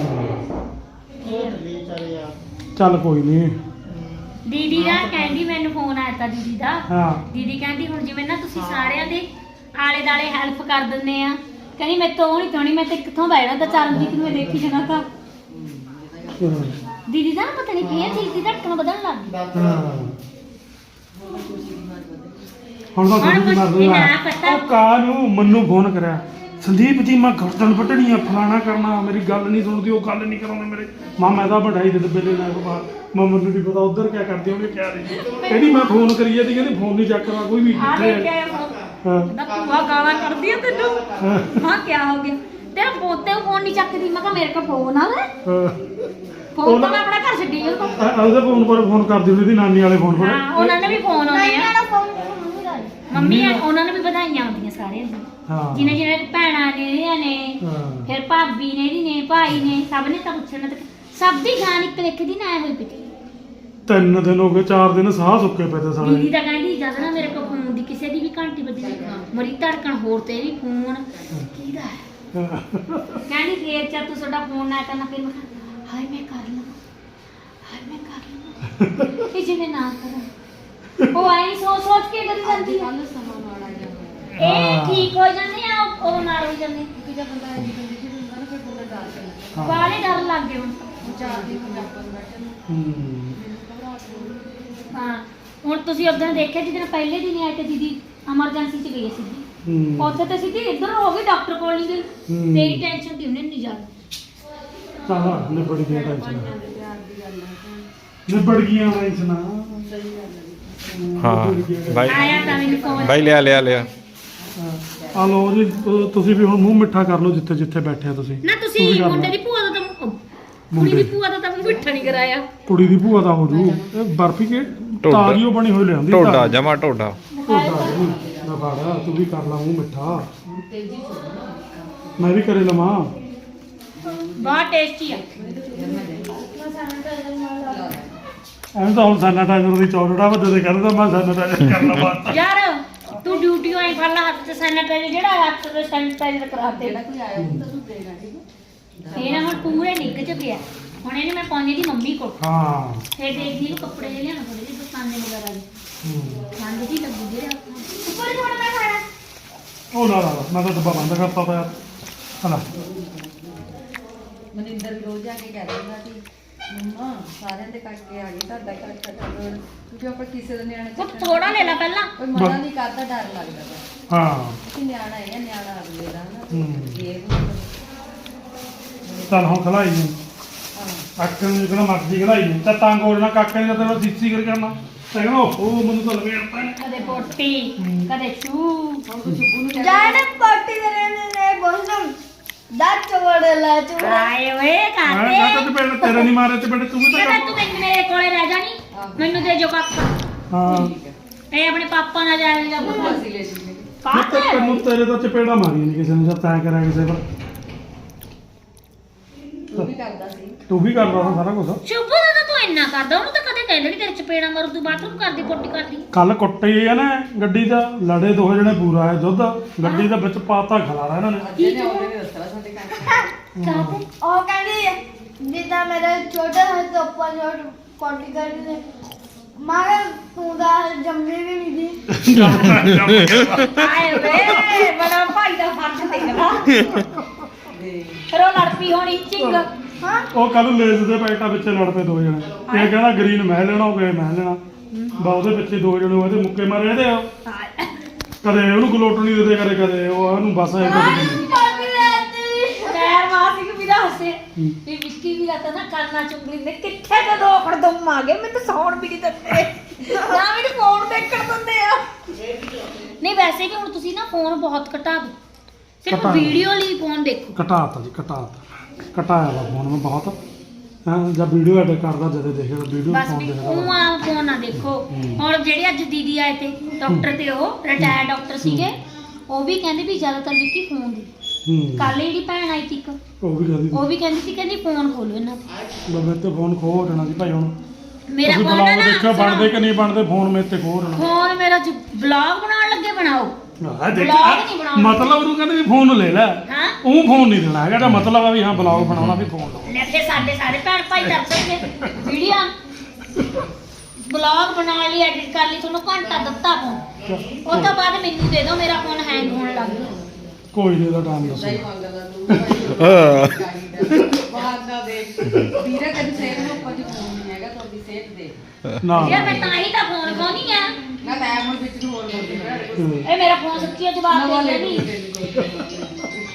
A: ਚੱਲ ਕੋਈ ਨਹੀਂ
B: ਦੀਦੀ ਦਾ ਕਹਿੰਦੀ ਮੈਨੂੰ ਫੋਨ ਆਇਆ ਤਾ ਦੀਦੀ ਦਾ
A: ਹਾਂ
B: ਦੀਦੀ ਕਹਿੰਦੀ ਹੁਣ ਜਿਵੇਂ ਨਾ ਤੁਸੀਂ ਸਾਰਿਆਂ ਦੇ ਆਲੇ ਦਾਲੇ ਹੈਲਪ ਕਰ ਦਿੰਦੇ ਆ ਕਹਿੰਦੀ ਮੈਂ ਤੋਂ ਨਹੀਂ ਤੋਣੀ ਮੈਂ ਤੇ ਕਿੱਥੋਂ ਬੈਠਣਾ ਤਾਂ ਚਰਨਜੀਤ ਨੂੰ ਮੈਂ ਦੇਖੀ ਜਾਣਾ ਤਾਂ ਦੀਦੀ ਦਾ ਨਾ ਪਤਾ ਨਹੀਂ ਕੀ ਚੀਜ਼ ਦੀ ਧੜਕਣ ਵਧਣ ਲੱਗ ਗਈ
A: ਹਾਂ ਹੁਣ ਤਾਂ
B: ਹੁਣ
A: ਥੋੜੀ
B: ਕੁਛ
A: ਮਰਦੀ
B: ਨਾ
A: ਆ
B: ਪਤਾ।
A: ਉਹ ਕਾ ਨੂੰ ਮੰਨੂ ਫੋਨ ਕਰਿਆ ਸੰਦੀਪ ਜੀ ਮੈਂ ਗਰਦਨ ਵੱਢਣੀ ਆ ਫਲਾਣਾ ਕਰਨਾ ਮੇਰੀ ਗੱਲ ਨਹੀਂ ਸੁਣਦੀ ਉਹ ਗੱਲ ਨਹੀਂ ਕਰਾਉਂਦੇ ਮੇਰੇ ਮਾਂ ਮੈਂ ਤਾਂ ਵਢਾਈ ਦੇ ਦੱਬੇ ਲੈ ਬਾਹਰ ਮੈਂ ਮੈਨੂੰ ਨਹੀਂ ਪਤਾ ਉਧਰ ਕਿਆ ਕਰਦੇ ਹੋਣਗੇ ਕਿਆ ਨਹੀਂ ਕਹਿੰਦੀ ਮੈਂ ਫੋਨ ਕਰੀ ਜਾਂਦੀ ਕਹਿੰਦੀ ਫੋਨ ਨਹੀਂ ਚੱਕਦਾ ਕੋਈ ਵੀ
B: ਆ
A: ਕਿੱਥੇ
B: ਲੈ ਕੇ
A: ਹੈ
B: ਆਇਆ ਫੋਨ
A: ਹਾਂ
B: ਕਹਿੰਦਾ ਭੂਆ ਗਾਲਾਂ ਕਰਦੀ ਆ ਤੈਨੂੰ ਹਾਂ ਕੀ ਹੋ ਗਿਆ ਤੇਰਾ ਪੋਤੇ ਫੋਨ ਨਹੀਂ ਚੱਕਦੀ ਮੈਂ ਕਿਹਾ ਮੇਰੇ ਕੋਲ ਫੋਨ ਆ ਵੇ
A: ਹਾਂ
B: ਫੋਨ ਤਾਂ ਮੈਂ ਆਪਣਾ ਘਰ ਛੱਡੀ ਉਹ ਤੋਂ
A: ਆ- ਉਹਦੇ ਫੋਨ ਪਰ ਫੋਨ ਕਰਦੀ ਹੁੰਦੀ ਸੀ ਨਾਨੀ ਵਾਲੇ ਫੋਨ ਪਰ
B: ਹਾਂ ਉਹਨਾਂ ਨੇ ਵੀ ਫੋਨ ਆਉਂਦੇ ਆ ਮੰਮੀ ਆ, ਉਹਨਾਂ ਨੂੰ ਵੀ ਵਧਾਈਆਂ ਆਉਂਦੀਆਂ ਸਾਰਿਆਂ ਨੂੰ
A: ਹਾਂ
B: ਜਿਹਨੇ ਜਿਹਨੇ ਭੈਣਾਂ ਨੇ ਇਹਦੀਆਂ ਨੇ
A: ਹਾਂ।
B: ਫਿਰ ਭਾਬੀ ਨੇ ਇਹਦੀ ਨੇ ਭਾਈ ਨੇ ਸਭ ਨੇ ਤਾਂ ਪੁੱਛਣਾ ਤੇ ਸਭ ਦੀ ਜਾਨ ਇੱਕ ਲਿਖ ਦੀ ਨਾ ਹੋਈ ਪਈ
A: ਤਿੰਨ ਦਿਨ ਹੋ ਗਏ ਚਾਰ ਦਿਨ ਸਾਹ ਸੁੱਕੇ ਪਏ ਤੇ
B: ਦੀਦੀ
A: ਸਾਲੇ
B: ਤਾਂ ਕਹਿੰਦੀ ਜਦ ਨਾ ਮੇਰੇ ਕੋਲ ਫੋਨ ਦੀ ਕਿਸੇ ਦੀ ਵੀ ਘੰਟੀ ਵੱਜੀ ਮਰੀ ਧੜਕਣ ਹੋਰ ਤੇ ਵੀ ਫੋਨ ਕਿਹਦਾ ਹੈ ਕਹਿੰਦੀ ਫੇਰ ਚਾ ਤੂੰ ਤੁਹਾਡਾ ਫੋਨ ਨਾ ਕਰਨਾ ਫਿਰ ਮੈਂ ਕਿਹਾ, ਹਾਏ ਮੈਂ ਕਰ ਲਵਾਂ ਹਾਏ ਮੈਂ ਕਰ ਲਵਾਂ ਇਹ ਜਿਵੇਂ ਨਾ ਕਰਾਂ ਉਹ ਆਈ ਸੋਚ ਸੋਚ ਕੇ ਕਰੀ ਜਾਂਦੀ ਹੈ ਇਹ ਠੀਕ ਹੋ ਜਾਂਦੇ ਆ ਉਹ- ਉਹ ਨਾਲ ਹੋ ਜਾਂਦੇ ਬਾਲੇ ਡਰ ਲੱਗ ਗਏ ਹੁਣ
A: ਹੂੰ
B: ਹਾਂ ਹੁਣ ਤੁਸੀਂ ਉਦੋਂ ਦੇਖਿਆ ਜਿੱਦਣ ਪਹਿਲੇ ਦਿਨ ਆਏ ਤੇ ਦੀਦੀ ਐਮਰਜੈਂਸੀ ਚ ਗਈ ਸਿੱਧੀ
A: ਹੂੰ
B: ਉੱਥੇ ਤੇ ਸਿੱਧੀ ਇੱਧਰ ਹੋ ਗਈ ਡਾਕਟਰ ਕੋਲ ਨਹੀਂ ਗਈ
A: ਹੂੰ।
B: ਤੇਰੀ ਟੈਨਸ਼ਨ ਦੀ ਉਹਨੇ ਨਹੀਂ ਜਾਣੀ
A: ਚਾਹ ਨਿਬੜ ਗਿਆ ਟੈਨਸ਼ਨ ਨਿਬੜ ਗਈਆਂ ਟੈਨਸ਼ਨਾਂ
D: ਹਾਂ ਬਾਈ
B: ਆਇਆ ਤਾਂ ਮੈਨੂੰ ਫੋਨ
D: ਬਾਈ ਲਿਆ ਲਿਆ ਲਿਆ
A: ਆ ਲੋ ਜੀ ਅਹ ਤੁਸੀਂ ਵੀ ਹੁਣ ਮੂੰਹ ਮਿੱਠਾ ਕਰ ਲਓ ਜਿੱਥੇ ਜਿੱਥੇ ਬੈਠੇ ਆ ਤੁਸੀਂ
B: ਨਾ
A: ਤੂੰ
B: ਤੁਸੀਂ
A: ਵੀ ਕਰ
B: ਮੁੰਡੇ
A: ਲੈ।
B: ਦੀ ਭੂਆ ਦਾ ਤਾਂ ਕੁੜੀ
A: ਮੁੰਡੇ
B: ਦੀ ਭੂਆ ਦਾ ਤਾਂ ਮੂੰਹ ਮਿੱਠਾ ਨਹੀਂ ਕਰਾਇਆ
A: ਕੁੜੀ ਦੀ ਭੂਆ ਦਾ ਹੋ ਜੂ ਇਹ ਬਰਫੀ ਕੇ
D: ਢੋਡਾ।
A: ਤਾਰੀਓ ਬਣੀ ਹੋਈ ਲਿਆਂਦੀ
D: ਢੋਡਾ ਜਮਾ ਢੋਡਾ
A: ਢੋਡਾ ਜੀ ਨਾ ਬਾੜਾ ਤੂੰ ਵੀ ਕਰ ਲਾ ਮੂੰਹ ਮਿੱਠਾ ਮੈਂ ਵੀ ਕਰੇ ਲਵਾਂ
B: ਬਹੁਤ ਟੇਸਟੀ ਆ
A: ਐਵੇਂ ਤਾਂ ਹੁਣ ਸੈਨਾਟਾਈਜ਼ਰ ਦੀ ਚੌੜੜਾ ਵੱਡੇ ਦੇ ਕਹਿੰਦਾ ਮੈਂ ਸੈਨਾਟਾਈਜ਼ਰ ਕਰ ਲਵਾਂ
B: ਯਾਰ ਤੂੰ ਡਿਊਟੀ ਆਈ ਫੜ ਲਾ ਹੱਥ ਤੇ ਸੈਨੀਟਾਈਜ਼ਰ ਜਿਹੜਾ ਹੱਥ ਤੇ ਸੈਨੀਟਾਈਜ਼ਰ ਕਰਾ ਦੇ ਇਹ ਨਾ ਹੁਣ ਪੂਰੇ ਨਿੱਘ ਚ ਪਿਆ ਹੁਣ ਇਹਨੇ ਮੈਂ ਪਾਉਣੀ ਦੀ ਮੰਮੀ ਕੋਲ
A: ਹਾਂ
B: ਫਿਰ ਦੇਖਦੀ ਨੂੰ ਕੱਪੜੇ ਜਿਹੇ ਲਿਆਣਾ ਥੋੜੇ ਜਿਹੇ ਦਸਤਾਨੇ ਵਗੈਰਾ ਦੇ
A: ਹੂੰ।
B: ਠੰਡ ਜੀ ਲੱਗੂ ਜਿਹੜੇ ਹੱਥਾਂ ਉੱਪਰ ਜੋੜ ਮੈਂ ਖਾਣਾ
A: ਉਹ ਨਾ ਨਾ ਨਾ, ਮੈਂ ਤਾਂ ਡੱਬਾ ਬੰਦ ਕਰਤਾ ਪਿਆ ਹਲਾ
E: ਮਨਿੰਦਰ ਵੀ ਰੋਜ਼ ਆ ਕੇ ਕਹਿ ਦਿੰਦਾ ਕਿ ਮੰਮਾ ਸਾਰਿਆਂ ਦੇ ਕਰਕੇ ਆ ਗਈ ਤੁਹਾਡਾ ਘਰ ਕੱਟਾ ਰੋਣ ਕਿਉਂਕਿ ਆਪਾਂ ਕਿਸੇ ਦੇ ਨਿਆਣੇ
B: ਉਹ ਥੋੜਾ ਲੈ ਲੈ ਪਹਿਲਾਂ
E: ਕੋਈ ਮਨਾ ਨਹੀਂ ਕਰਦਾ ਡਰ ਲੱਗਦਾ ਬਸ
A: ਹਾਂ
E: ਕਿ ਨਿਆਣਾ ਹੈ ਨਿਆਣਾ ਅਗਲੇ ਦਾ ਨਾ
A: ਹੂੰ।
E: ਇਹ ਵੀ
A: ਚੱਲ ਹੁਣ ਖਲਾਈ ਨੂੰ
E: ਹਾਂ
A: ਅੱਖ ਨੂੰ ਜਿਹੜਾ ਮਰਜ਼ੀ ਖਲਾਈ ਨੂੰ ਤਾਂ ਤੰਗ ਹੋ ਜਾਣਾ ਕਾਕੇ ਨੇ ਤਾਂ ਤੈਨੂੰ ਸੀਸੀ ਕਰ ਕਰਨਾ ਤੇ ਕਹਿੰਦਾ ਉਹ ਮੈਨੂੰ ਤਾਂ ਲਵੇ ਆਪਾਂ ਨੇ
B: ਕਦੇ ਪੋਟੀ ਕਦੇ ਛੂ
F: ਜਾਣੇ ਪਾਰਟੀ ਮੇਰੇ ਨੇ ਬੋਲਮ ਦਾ ਚਵੜ ਲਾ ਚਵੜ
B: ਆਏ ਓਏ
A: ਮੈਂ
B: ਕਾਤੇ
A: ਮੈਂ ਤਾਂ ਤੇ ਤੇਰੇ ਨਹੀਂ ਮਾਰੇ ਤੇ ਬੇਟੇ ਤੂੰ ਵੀ
B: ਕਹਿੰਦਾ
A: ਤਾਂ
B: ਤੂੰ ਮੈਨੂੰ ਮੇਰੇ ਕੋਲੇ ਰਹਿ ਜਾਣੀ ਮੈਨੂੰ ਦੇ ਜੋ ਪਾਪਾ
A: ਹਾਂ
B: ਇਹ ਆਪਣੇ ਪਾਪਾ ਨਾਲ ਜਾਏਗਾ
E: ਅਸੀਂ ਲੈ ਜੀ
A: ਮੈਂ
B: ਕਾਤੇ
A: ਤਾਂ ਤੈਨੂੰ ਤੇਰੇ ਤਾਂ ਚਪੇੜਾ ਮਾਰੀ ਨਹੀਂ ਕਿਸੇ ਨੇ ਜਦ ਤੈਂ ਕਰਿਆ ਕਿਸੇ ਪਰ
E: ਤੂੰ ਵੀ ਕਰਦਾ ਸੀ
A: ਤੂੰ ਵੀ ਕਰਦਾ ਸੀ ਸਾਰਾ ਕੁਝ
B: ਸ਼ੁਭ ਦਾ ਤਾਂ ਤੂੰ ਇੰਨਾ ਕਰਦਾ ਉਹਨੂੰ ਤਾਂ ਕਦੇ ਕਹਿੰਦਾ ਨਹੀਂ ਤੇਰੇ ਚਪੇੜਾ ਮਾਰੂ ਤੂੰ ਬਾਥਰੂਮ ਕਰਦੀ ਪੋਟੀ ਕਰਦੀ
A: ਕੱਲ ਕੁੱਟੀ ਆ ਨਾ ਗੱਡੀ ਦਾ ਲੜੇ ਦੋ ਜਣੇ ਪੂਰਾ ਹੈ ਦੁੱਧ ਗੱਡੀ ਦੇ ਵਿੱਚ ਪਾਤਾ ਖਲਾਰਾ ਇਹਨਾਂ ਨੇ
E: ਅੱਜ ਨੇ ਉਹਨੇ ਵੀ ਦੱਸਣਾ ਸਾਡੇ ਘਰ
B: ਕਾਤੇ
F: ਉਹ ਕਹਿੰਦੀ ਜਿੱਦਾਂ ਮੇਰਾ ਛੋਟਾ ਹੱਥ ਉੱਪਰ ਜੋੜ ਕੋਟੀ ਕਰਦੀ ਨੇ ਮਾਰੇ ਤੂੰ ਦਾ ਜੰਮੀ ਵੀ ਨਹੀਂ ਦੀ
B: ਆਏ ਵੇ ਬੜਾ ਭਾਈ ਦਾ ਫਰਜ਼ ਦੇਖਦਾ ਫਿਰ ਉਹ ਲੜ ਪਈ ਹੋਣੀ ਚਿੰਗ
F: ਹਾਂ
A: ਉਹ ਕੱਲ ਲੇਜ਼ ਦੇ ਪੈਕਟਾਂ ਵਿੱਚ ਲੜ ਪਏ ਦੋ ਜਣੇ ਇਹ ਕਹਿੰਦਾ ਗ੍ਰੀਨ ਮੈਂ ਲੈਣਾ ਉਹ ਕਹੇ ਮੈਂ ਲੈਣਾ ਬਾ ਉਹਦੇ ਪਿੱਛੇ ਦੋ ਜਣੇ ਉਹਦੇ ਮੁੱਕੇ ਮਾਰੇ ਇਹਦੇ ਆ। ਕਦੇ ਉਹਨੂੰ ਗਲੋਟਣੀ ਦੇ ਦੇ ਕਰੇ ਕਦੇ ਉਹ ਉਹਨੂੰ ਬਸ ਐ ਕਰਦੇ
F: ਪਾਣੀ ਲੈਤੀ
B: ਪੈਰ ਮਾਸਿਕ ਵੀ ਦੱਸੇ ਵੀ ਵਿੱਕੀ ਵੀ ਰਤਾ ਨਾ ਕਰਨਾ ਚੁੰਗਲੀ ਨੇ ਕਿੱਥੇ ਤੇ ਦੋ ਖੜਦਮ ਆ ਗਏ ਮੈਨੂੰ ਤਾਂ ਸੌਣ ਵੀ ਨਹੀਂ ਦਿੰਦੇ ਨਾ ਮੈਨੂੰ ਫੋਨ ਦੇਖਣ ਦਿੰਦੇ ਆ ਨਹੀਂ ਵੈਸੇ ਵੀ ਹੁਣ ਤੁਸੀਂ ਨਾ ਫੋਨ ਬਹੁਤ ਘਟਾ ਦਿਓ ਸਿਰਫ
A: ਘਟਾ ਦਿਓ।
B: ਵੀਡੀਓ ਲਈ ਫੋਨ ਦੇਖੋ
A: ਘਟਾਤਾ ਜੀ ਘਟਾਤਾ ਘਟਾਇਆ ਵਾ ਫੋਨ ਮੈਂ ਬਹੁਤ ਹਾਂ ਜਦ ਵੀਡੀਓ ਐਡ ਕਰਦਾ ਜਦੋਂ ਦੇਖੇ ਵੀਡੀਓ
B: ਬਸ
A: ਫੋਨ
B: ਵੀ
A: ਦੇਖਦਾ
B: ਉਹ ਆ ਫੋਨ ਨਾ ਦੇਖੋ ਹੁਣ ਜਿਹੜੇ ਅੱਜ ਦੀਦੀ ਆਏ ਤੇ ਡਾਕਟਰ ਤੇ ਉਹ ਰਿਟਾਇਰ ਡਾਕਟਰ ਸੀਗੇ ਉਹ ਵੀ ਕਹਿੰਦੇ ਵੀ ਜ਼ਿਆਦਾਤਰ ਵਿੱਕੀ ਫੋਨ ਦੇ
A: ਹੂੰ
B: ਕੱਲ ਜਿਹੜੀ ਭੈਣ ਆਈ ਸੀ ਇੱਕ
A: ਉਹ ਵੀ ਕਹਦੀ
B: ਉਹ ਵੀ ਕਹਿੰਦੀ ਸੀ ਕਹਿੰਦੀ ਫੋਨ ਖੋਲੋ ਇਹਨਾਂ ਤੇ
A: ਮੇਰੇ ਤੇ ਫੋਨ ਖੋ ਹੋ ਜਾਣਾ ਸੀ ਭਾਈ ਹੁਣ
B: ਮੇਰਾ
A: ਤੁਸੀਂ
B: ਫੋਨ
A: ਬਲੌਗ
B: ਨਾ
A: ਦੇਖਿਓ ਬਣਦੇ ਕਿ ਨਹੀਂ ਬਣਦੇ ਫੋਨ ਮੇਰੇ ਤੇ ਖੋ ਹੋ ਜਾਣਾ
B: ਫੋਨ ਮੇਰਾ ਬਲੌਗ ਬਣਾਉਣ ਲੱਗੇ ਬਣਾਓ
A: ਆਹ ਦੇਖ,
B: ਬਲੌਗ ਨਹੀਂ ਬਣਾਉਣਾ।
A: ਮਤਲਬ ਉਹਨੂੰ ਕਹਿੰਦੇ ਵੀ ਫੋਨ ਲੈ ਲੈ
B: ਹਾਂ
A: ਉਹ ਫੋਨ ਨਹੀਂ ਦੇਣਾ ਹੈਗਾ ਇਹਦਾ ਮਤਲਬ ਆ ਵੀ ਹਾਂ ਬਲੌਗ ਬਣਾਉਣਾ ਵੀ ਫੋਨ ਲਓ
B: ਲੈ ਫਿਰ ਸਾਡੇ ਸਾਰੇ ਭੈਣ ਭਾਈ ਕਰ ਸਕਦੇ ਵੀਡੀਓ ਬਲੌਗ ਬਣਾਉਣ ਲਈ ਐਡਿਟ ਕਰ ਲਈ ਤੁਹਾਨੂੰ ਘੰਟਾ ਦਿੱਤਾ ਫੋਨ ਉਹ ਤੋਂ ਬਾਅਦ ਮੈਨੂੰ ਦੇ ਦਿਓ ਮੇਰਾ ਫੋਨ ਹੈਂਗ ਹੋਣ ਲੱਗ ਗਿਆ
A: ਕੋਈ ਨਹੀਂ ਇਹਦਾ ਟਾਈਮ ਦੱਸੋ
E: ਸਹੀ ਮੰਗਦਾ ਤੂੰ ਬਾਹਰ ਦਾ ਦੇਖ ਵੀਰਾ ਕਦੀ ਸਿਹਤ ਨੂੰ ਕੁਝ ਫੋਨ ਨਹੀਂ ਹੈਗਾ ਤੁਹਾਡੀ ਸਿਹਤ ਦੇ
A: ਨਾ
B: ਯਾਰ ਮੈਂ ਤਾਂ ਹੀ ਤਾਂ ਫੋਨ ਖੋਣੀ ਆ
E: ਨਾ ਤਾਂ ਹੁਣ ਵਿੱਚ ਨੂੰ ਹੋਰ ਬੋਲਦੀ
A: ਹੂੰ।
B: ਇਹ ਮੇਰਾ ਫੋਨ ਸੱਚੀ ਜਵਾਬ
E: ਨਵਾਂ
B: ਦੇ
E: ਲੈ
B: ਨਹੀਂ
E: ਲਈ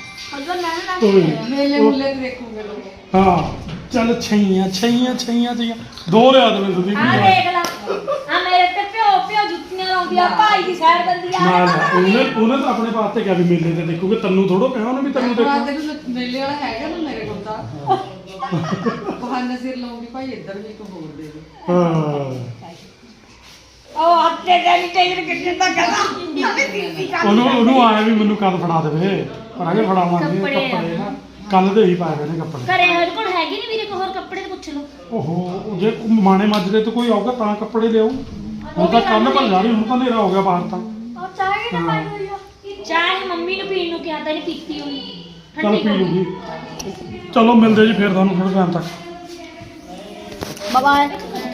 F: ਤਾਂ ਮੈਂ ਨਾ
A: ਓਏ,
E: ਮੇਲੇ
A: ਉਹ-
E: ਮੁੱਲੇ ਤੇ ਦੇਖੂਗੇ ਲੋਕ।
A: ਹਾਂ ਚੱਲ ਛਈਆਂ ਛਈਆਂ ਛਈਆਂ ਛਈਆਂ ਦੋ ਲਿਆ ਦੇਵੇ ਸੁਦੀਪ
B: ਆ
A: ਨੂੰ।
B: ਦੇਖ ਲਾ ਆ ਮੇਰੇ ਤੇ ਪਿਓ ਪਿਓ ਜੁੱਤੀਆਂ ਲਾਉਂਦੀ ਆ ਭਾਈ ਦੀ ਸਾਈਡ ਦਿੰਦੀ ਆ
A: ਨਾ ਨਾ ਉਹਨੇ ਉਹਨੇ ਤਾਂ ਆਪਣੇ ਵਾਸਤੇ ਕਿਹਾ ਵੀ ਮੇਲੇ ਤੇ ਦੇਖੂਗੇ, ਤੈਨੂੰ ਥੋੜੋ ਕਿਹਾ ਉਹਨੇ ਵੀ ਤੈਨੂੰ
E: ਹਾਂ
A: ਦੇਖੋ।
E: ਤੈਨੂੰ ਮੇਲੇ ਵਾਲਾ ਹੈਗਾ ਨਾ ਮੇਰੇ ਕੋਲ ਤਾਂ ਬਹਾਨਾ ਸਿਰ ਲਾਉਂਗੀ ਭਾਈ ਇੱਧਰ ਵੀ ਇੱਕ ਹੋਰ ਦੇ ਦੇ।
A: ਹਾਂ
B: ਉਹ ਹੱਥੇ ਜਾਨੀ ਟੇਜਰ ਕਿੱਥੇ ਤੱਕ ਕਰਾ
A: ਉਹਨੂੰ ਉਹਨੂੰ ਆਇਆ ਵੀ ਮੈਨੂੰ ਕਦ ਫੜਾ ਦੇਵੇ, ਪਰ ਅਗੇ ਫੜਾਵਾਂਗੇ
B: ਕੱਪੜੇ ਆ।
A: ਕੱਪੜੇ ਨਾ ਕੱਲ ਦੇ ਹੀ ਪਾਏ ਹੋਏ ਨੇ ਕੱਪੜੇ।
B: ਘਰੇ ਸਾਡੇ ਕੋਲ ਹੈਗੇ ਨਹੀਂ ਵੀਰੇ ਕੋਈ ਹੋਰ ਕੱਪੜੇ ਤੇ ਪੁੱਛ ਲਓ।
A: ਓਹੋ ਜੇ ਮਾਣੇ ਮਾਜਰੇ ਤੇ ਕੋਈ ਆਊਗਾ ਤਾਂ ਕੱਪੜੇ ਲਿਆਓ। ਹੁਣ ਤਾਂ ਕੱਲ ਭਰ ਜਾ ਰਹੀ, ਹੁਣ ਤਾਂ ਹਨੇਰਾ ਹੋ ਗਿਆ ਬਾਹਰ ਤਾਂ।
F: ਉਹ ਚਾਹ ਵੀ ਨਾ ਪਾਈ ਹੋਈ ਆ
B: ਚਾਹ ਮੰਮੀ ਨੂੰ ਪੀਣ ਨੂੰ ਕਿਹਾ ਤਾਂ ਇਹਨੇ ਪੀਤੀ ਹੋਈ
A: ਚੱਲ
B: ਠੰਡੀ
A: ਪੀ
B: ਕਰ
A: ਲੂਗੀ। ਚਲੋ ਮਿਲਦੇ ਜੀ ਫਿਰ ਤੁਹਾਨੂੰ ਥੋੜੇ ਟਾਈਮ ਤੱਕ।
F: Bye bye